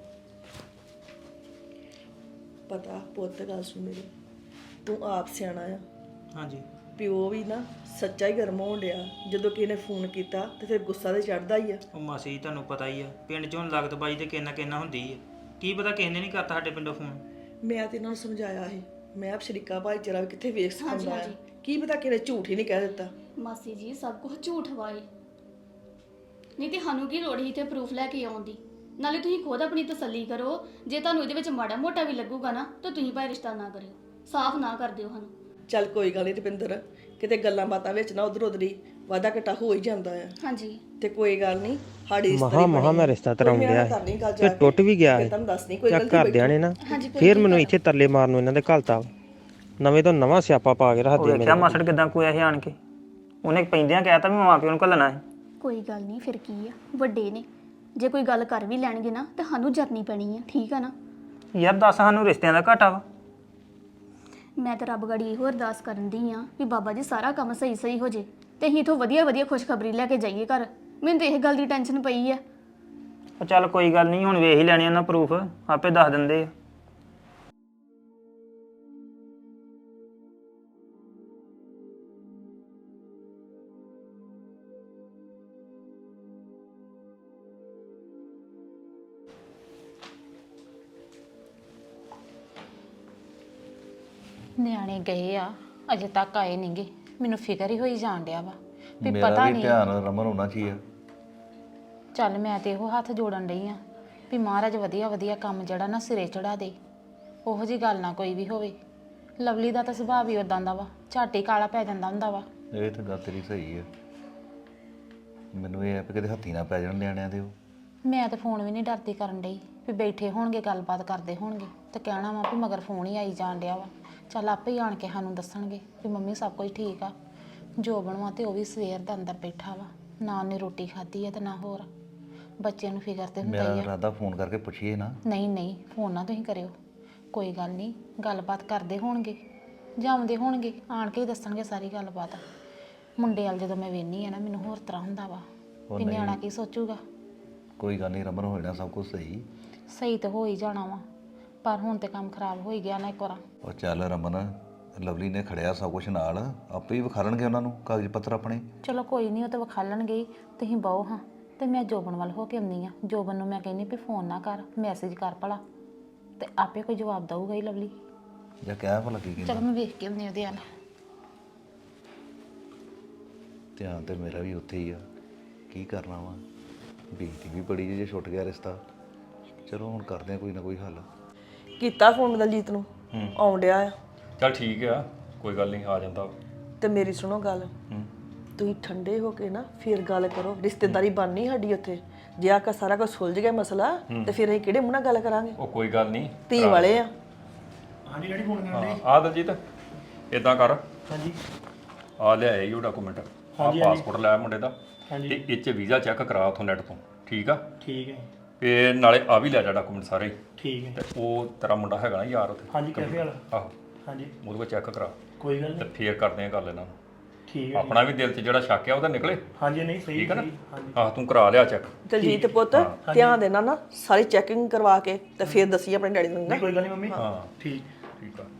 [SPEAKER 1] ਪਤਾ ਪੁੱਤ ਗੱਲ ਸੁਣ ਮੇਰੀ, ਤੂੰ ਆਪ ਸਿਆਣਾ ਆ।
[SPEAKER 5] ਹਾਂਜੀ
[SPEAKER 1] ਪਿਓ ਵੀ ਨਾ ਸੱਚਾ ਹੀ ਗਰਮ ਹੋਣ ਡਿਆ, ਜਦੋਂ ਕਿਸੇ ਨੇ ਫੋਨ ਕੀਤਾ ਤੇ ਫਿਰ ਗੁੱਸਾ ਤੇ ਚੜਦਾ ਹੀ ਆ।
[SPEAKER 5] ਉਹ ਮਾਸੀ ਜੀ ਤੁਹਾਨੂੰ ਪਤਾ ਹੀ ਆ, ਪਿੰਡ 'ਚੋਂ ਲਗਤ ਬਾਈ ਤੇ ਕਿੰਨਾ ਕਿੰਨਾ ਹੁੰਦੀ ਆ। ਕੀ ਪਤਾ ਕਿਸੇ ਨੇ ਨਹੀਂ ਕਰਤਾ ਸਾਡੇ ਪਿੰਡੋਂ ਫੋਨ।
[SPEAKER 1] ਮੈਂ ਤੇ ਇਹਨਾਂ ਨੂੰ ਸਮਝਾਇਆ ਸੀ, ਮੈਂ ਆਪ ਸ਼ਰੀਕਾ ਭਾਈਚਾਰਾ ਵੀ ਕਿੱਥੇ ਵੇਖ ਸਕਦਾ ਹੈ, ਕੀ ਪਤਾ ਕਿਹਨੇ ਝੂਠ ਹੀ ਨਹੀਂ ਕਹਿ ਦਿੱਤਾ।
[SPEAKER 3] ਮਾਸੀ ਜੀ ਸਭ ਕੁਝ ਝੂਠ ਵਾਏ, ਨਹੀਂ ਤੇ ਸਾਨੂੰ ਕੀ ਲੋੜ ਸੀ ਤੇ ਪ੍ਰੂਫ ਲੈ ਕੇ ਆਉਣ ਦੀ। ਨਾਲੇ ਤੁਸੀਂ ਖੁਦ ਆਪਣੀ ਤਸੱਲੀ ਕਰੋ, ਜੇ ਤੁਹਾਨੂੰ ਇਹਦੇ ਵਿੱਚ ਮਾੜਾ ਮੋਟਾ ਵੀ ਲੱਗੂਗਾ ਨਾ ਤਾਂ ਤੁਸੀਂ ਭਾਵੇਂ ਰਿਸ਼ਤਾ ਨਾ ਕਰਿਓ, ਸਾਫ਼ ਨਾ ਕਰ ਦਿਓ ਸਾਨੂੰ।
[SPEAKER 1] ਚੱਲ ਕੋਈ ਗੱਲ ਨਹੀਂ ਰੁਪਿੰਦਰ, ਕਿਤੇ ਗੱਲਾਂ ਬਾਤਾਂ ਵਿੱਚ ਨਾ ਉਧਰ ਉਧਰ ਹੀ ਵਾਧਾ ਘਟਾ ਹੋ ਹੀ ਜਾਂਦਾ ਆ।
[SPEAKER 3] ਹਾਂਜੀ
[SPEAKER 1] ਤੇ ਕੋਈ ਗੱਲ ਨਹੀਂ, ਸਾਡੀ
[SPEAKER 6] ਮਹਾ ਮਹਾ ਮੈਂ ਰਿਸ਼ਤਾ ਤਰਾਉਣ ਡਿਆ ਤੇ ਟੁੱਟ ਵੀ ਗਿਆ ਹੈ।
[SPEAKER 1] ਤੁਹਾਨੂੰ ਦੱਸਣੀ ਕੋਈ
[SPEAKER 6] ਚੱਕ ਘਰਦਿਆਂ ਨੇ ਨਾ
[SPEAKER 3] ਹਾਂਜੀ
[SPEAKER 6] ਫੇਰ ਮੈਨੂੰ ਇੱਥੇ ਤਰਲੇ ਮਾਰਨ ਨੂੰ ਇਹਨਾਂ ਦੇ ਘਲਤਾ ਵਾ। ਨਵੇਂ ਤੋਂ ਨਵਾਂ ਸਿਆਪਾ ਪਾ ਕੇ ਰੱਖਦੇ
[SPEAKER 5] ਵੇਖਿਆ ਮਾਸੜ ਕਿਦਾਂ ਕੋਇਆ ਸੀ ਆਣ ਕੇ, ਉਹਨੇ ਪੈਂਦਿਆਂ ਕਹਿਤਾ ਵੀ ਮਾਂ ਪਿਓ ਨੂੰ ਘੱਲਣਾ ਹੈ।
[SPEAKER 3] ਕੋਈ ਗੱਲ ਨਹੀਂ, ਫਿਰ ਕੀ ਆ, ਵੱਡੇ ਨੇ, ਜੇ ਕੋਈ ਗੱਲ ਕਰ ਵੀ ਲੈਣਗੇ ਨਾ ਤਾਂ ਸਾਨੂੰ ਜਰਨੀ ਪੈਣੀ ਆ, ਠੀਕ ਆ ਨਾ।
[SPEAKER 5] ਯਾਰ ਦੱਸ, ਸਾਨੂੰ ਰਿਸ਼ਤਿਆਂ ਦਾ ਘਾਟਾ ਵਾ।
[SPEAKER 3] ਮੈਂ ਤਾਂ ਰੱਬ ਗੜੀ ਇਹੋ ਅਰਦਾਸ ਕਰਨ ਦੀ ਆ ਵੀ ਬਾਬਾ ਜੀ ਸਾਰਾ ਕੰਮ ਸਹੀ ਸਹੀ ਹੋ ਜੇ ਤੇ ਅਸੀਂ ਇਥੋਂ ਵਧੀਆ ਵਧੀਆ ਖੁਸ਼ਖਬਰੀ ਲੈ ਕੇ ਜਾਈਏ ਘਰ। ਮੈਨੂੰ ਤਾਂ ਇਹ ਗੱਲ ਦੀ ਟੈਨਸ਼ਨ ਪਈ ਆ।
[SPEAKER 5] ਉਹ ਚੱਲ ਕੋਈ ਗੱਲ ਨਹੀਂ, ਹੁਣ ਵੇਖ ਹੀ ਲੈਣੇ ਉਹਨਾਂ ਪ੍ਰੂਫ, ਆਪੇ ਦੱਸ ਦਿੰਦੇ ਆ।
[SPEAKER 7] ਨਿਆਣੇ ਗਏ ਆ, ਅਜੇ ਤੱਕ ਆਏ ਨਹੀਂਗੇ। ਮੈਨੂੰ ਫਿਕਰ ਹੀ ਹੋਈ ਜਾਣ ਡਿਆ ਵਾ ਵੀ
[SPEAKER 8] ਮੇਰਾ
[SPEAKER 7] ਪਤਾ
[SPEAKER 8] ਵੀ
[SPEAKER 7] ਨਹੀਂ।
[SPEAKER 8] ਧਿਆਨ ਰਮਨ ਹੋਣਾ ਚਾਹੀਏ।
[SPEAKER 7] ਚੱਲ ਮੈਂ ਤੇ ਇਹੋ ਹੱਥ ਜੋੜਨ ਡਈ ਆ ਵੀ ਮਹਾਰਾਜ ਵਧੀਆ ਵਧੀਆ ਕੰਮ ਜਿਹੜਾ ਨਾ ਸਿਰੇ ਚੜਾ ਦੇ, ਉਹੋ ਜੀ ਗੱਲ ਨਾ ਕੋਈ ਵੀ ਹੋਵੇ। ਲਵਲੀ ਦਾ ਤਾਂ ਸੁਭਾਅ ਵੀ ਉਦਾਂ ਦਾ ਵਾ, ਝੱਟ ਹੀ ਕਾਲਾ ਪੈ ਜਾਂਦਾ ਹੁੰਦਾ ਵਾ।
[SPEAKER 8] ਇਹ ਤਾਂ ਗੱਲ ਤੇਰੀ ਸਹੀ ਹੈ, ਮੈਨੂੰ ਇਹ ਹੈ ਵੀ ਕਿਤੇ ਹੱਥੀ ਨਾ ਪੈ ਜਾਣ ਨਿਆਣਿਆਂ ਦੇ। ਉਹ
[SPEAKER 7] ਮੈਂ ਤਾਂ ਫੋਨ ਵੀ ਨਹੀਂ ਡਰਦੀ ਕਰਨ ਡਈ ਵੀ ਬੈਠੇ ਹੋਣਗੇ ਗੱਲਬਾਤ ਕਰਦੇ ਹੋਣਗੇ ਤੇ ਕਹਿਣਾ ਵਾ ਵੀ ਮਗਰ ਫੋਨ ਹੀ ਆਈ ਜਾਣ ਡਿਆ ਵਾ। ਚੱਲ ਆਪੇ ਹੀ ਆਣ ਕੇ ਸਾਨੂੰ ਦੱਸਣਗੇ ਵੀ ਮੰਮੀ ਸਭ ਕੁਝ ਠੀਕ ਆ। ਜੋ ਬਣਵਾ ਤੇ ਉਹ ਵੀ ਸਵੇਰ ਦਾ ਅੰਦਰ ਬੈਠਾ ਵਾ, ਨਾ ਉਹਨੇ ਰੋਟੀ ਖਾਧੀ ਆ ਤੇ ਨਾ ਹੋਰ। ਬੱਚਿਆਂ ਨੂੰ ਫਿਕਰ ਤੇ ਹੁੰਦਾ
[SPEAKER 8] ਮੇਰਾ
[SPEAKER 7] ਹੀ ਆ।
[SPEAKER 8] ਇਰਾਦਾ ਫੋਨ ਕਰਕੇ ਪੁੱਛੀਏ ਨਾ।
[SPEAKER 7] ਨਹੀਂ ਨਹੀਂ, ਫੋਨ ਨਾ ਤੁਸੀਂ ਕਰਿਓ, ਕੋਈ ਗੱਲ ਨਹੀਂ, ਗੱਲਬਾਤ ਕਰਦੇ ਹੋਣਗੇ, ਜਾਉਂਦੇ ਹੋਣਗੇ, ਆਣ ਕੇ ਹੀ ਦੱਸਣਗੇ ਸਾਰੀ ਗੱਲਬਾਤ। ਮੁੰਡੇ ਵਾਲ ਜਦੋਂ ਮੈਂ ਵੇਖਨੀ ਆ ਨਾ, ਮੈਨੂੰ ਹੋਰ ਤਰ੍ਹਾਂ ਹੁੰਦਾ ਵਾ ਵੀ ਨਿਆਣਾ ਕੀ ਸੋਚੂਗਾ।
[SPEAKER 8] ਕੋਈ ਗੱਲ ਨਹੀਂ ਰਮਨ, ਹੋ ਜਾਣਾ ਸਭ ਕੁਝ ਸਹੀ।
[SPEAKER 7] ਸਹੀ ਤਾਂ ਹੋ ਹੀ ਜਾਣਾ ਵਾ, ਪਰ ਹੁਣ ਤੇ ਕੰਮ ਖਰਾਬ ਹੋ ਹੀ ਗਿਆ ਨਾ ਇੱਕ ਵਾਰ।
[SPEAKER 8] ਉਹ ਚੱਲ ਰਮਨ, ਲਵਲੀ ਨੇ ਖੜਿਆ ਸਭ ਕੁਝ ਨਾਲ, ਆਪੇ ਹੀ ਵਿਖਾਲਣਗੇ ਉਹਨਾਂ ਨੂੰ ਕਾਗਜ਼ ਪੱਤਰ ਆਪਣੇ।
[SPEAKER 7] ਚਲੋ ਕੋਈ ਨਹੀਂ, ਉਹ ਤਾਂ ਵਿਖਾਲਣਗੇ ਹੀ, ਤੁਸੀਂ ਬਹੁ ਹਾਂ। ਤੇ ਮੈਂ ਜੋਬਨ ਵੱਲ ਹੋ ਕੇ ਆਉਂਦੀ ਆ। ਜੋਬਨ ਨੂੰ ਮੈਂ ਕਹਿੰਦੀ ਵੀ ਫੋਨ ਨਾ ਕਰ, ਮੈਸੇਜ ਕਰ ਭਲਾ, ਤੇ ਆਪੇ ਕੋਈ ਜਵਾਬ ਦਊਗਾ ਹੀ ਲਵਲੀ।
[SPEAKER 8] ਜਾਂ ਕਹਿ ਭਲਾ ਕੀ ਕਹਿੰਦਾ।
[SPEAKER 7] ਚਲੋ ਮੈਂ ਵੇਖ ਕੇ ਆਉਂਦੀ ਉਹਦੇ ਨਾਲ।
[SPEAKER 8] ਧਿਆਨ ਤੇ ਮੇਰਾ ਵੀ ਉੱਥੇ ਹੀ ਆ, ਕੀ ਕਰਨਾ ਵਾ। ਬੇਇੱਜ਼ਤੀ ਵੀ ਬੜੀ ਜੇ ਛੁੱਟ ਗਿਆ ਰਿਸ਼ਤਾ। ਚਲੋ ਹੁਣ ਕਰਦੇ ਆ ਕੋਈ ਨਾ ਕੋਈ ਹੱਲ।
[SPEAKER 1] ਕੀਤਾ ਫੋਨ ਦਲਜੀਤ ਨੂੰ, ਆਉਣ ਡਿਆ ਆ।
[SPEAKER 2] ਚੱਲ ਠੀਕ ਆ, ਕੋਈ ਗੱਲ ਨਹੀਂ, ਆ ਜਾਂਦਾ।
[SPEAKER 1] ਤੇ ਮੇਰੀ ਸੁਣੋ ਗੱਲ, ਤੁਸੀਂ ਠੰਡੇ ਹੋ ਕੇ ਨਾ ਫਿਰ ਗੱਲ ਕਰੋ। ਰਿਸ਼ਤੇਦਾਰੀ ਬਣਨੀ ਸਾਡੀ ਉੱਥੇ, ਜੇ ਆਕਾ ਸਾਰਾ ਕੁਝ ਸੁਲਝ ਗਿਆ ਮਸਲਾ ਤੇ ਫਿਰ ਅਸੀਂ ਕਿਹੜੇ ਮੂੰਹ ਨਾਲ ਗੱਲ ਕਰਾਂਗੇ?
[SPEAKER 2] ਉਹ ਕੋਈ ਗੱਲ ਨਹੀਂ,
[SPEAKER 1] ਧੀ ਵਾਲੇ ਆ।
[SPEAKER 5] ਹਾਂਜੀ ਡੈਡੀ ਫੋਨ ਕਰ
[SPEAKER 2] ਹਾਂ ਆ ਦਲਜੀਤ, ਇਦਾਂ ਕਰ। ਹਾਂਜੀ, ਆ ਲਿਆਏ ਹੀ ਉਹ ਡਾਕੂਮੈਂਟ, ਆ ਪਾਸਪੋਰਟ ਲੈ ਮੁੰਡੇ ਦਾ, ਤੇ ਇਹ 'ਚ ਵੀਜ਼ਾ ਚੈੱਕ ਕਰਾ ਉਥੋਂ ਨੈਟ ਤੋਂ। ਠੀਕ ਆ?
[SPEAKER 5] ਠੀਕ ਹੈ
[SPEAKER 2] ਤੇ ਨਾਲੇ ਆ ਵੀ ਲੈ ਜਾ ਡਾਕੂਮੈਂਟ ਸਾਰੇ।
[SPEAKER 5] ਠੀਕ ਹੈ।
[SPEAKER 2] ਤੇ ਉਹ ਤੇਰਾ ਮੁੰਡਾ ਹੈਗਾ ਨਾ ਯਾਰ ਉੱਥੇ,
[SPEAKER 5] ਹਾਂਜੀ ਕੈਫੇ ਵਾਲਾ।
[SPEAKER 2] ਆਹੋ,
[SPEAKER 5] ਹਾਂਜੀ
[SPEAKER 2] ਉਹਦੇ ਕੋਲ ਚੈੱਕ ਕਰਾ
[SPEAKER 5] ਕੋਈ ਗੱਲ
[SPEAKER 2] ਤੇ
[SPEAKER 5] ਨਹੀਂ।
[SPEAKER 2] ਫੇਰ ਕਰਦੇ ਆ ਗੱਲ ਇਹਨਾਂ ਨੂੰ।
[SPEAKER 5] ਠੀਕ ਹੈ।
[SPEAKER 2] ਆਪਣਾ ਵੀ ਦਿਲ 'ਚ ਜਿਹੜਾ ਸ਼ੱਕ ਆ ਉਹਦਾ ਨਿਕਲੇ।
[SPEAKER 5] ਹਾਂਜੀ ਨਹੀਂ ਸਹੀ
[SPEAKER 2] ਠੀਕ ਹੈ ਨਾ?
[SPEAKER 5] ਹਾਂਜੀ
[SPEAKER 2] ਆਹ ਤੂੰ ਕਰਾ ਲਿਆ ਚੈੱਕ।
[SPEAKER 1] ਦਲਜੀਤ ਪੁੱਤ, ਧਿਆਨ ਦੇਣਾ ਨਾ, ਸਾਰੀ ਚੈਕਿੰਗ ਕਰਵਾ ਕੇ ਤੇ ਫਿਰ ਦੱਸੀ ਆਪਣੇ ਡੈਡੀ ਨੂੰ ਨਾ।
[SPEAKER 5] ਨਹੀਂ ਕੋਈ ਗੱਲ ਨਹੀਂ ਮੰਮੀ।
[SPEAKER 2] ਹਾਂ
[SPEAKER 5] ਠੀਕ
[SPEAKER 2] ਠੀਕ ਆ।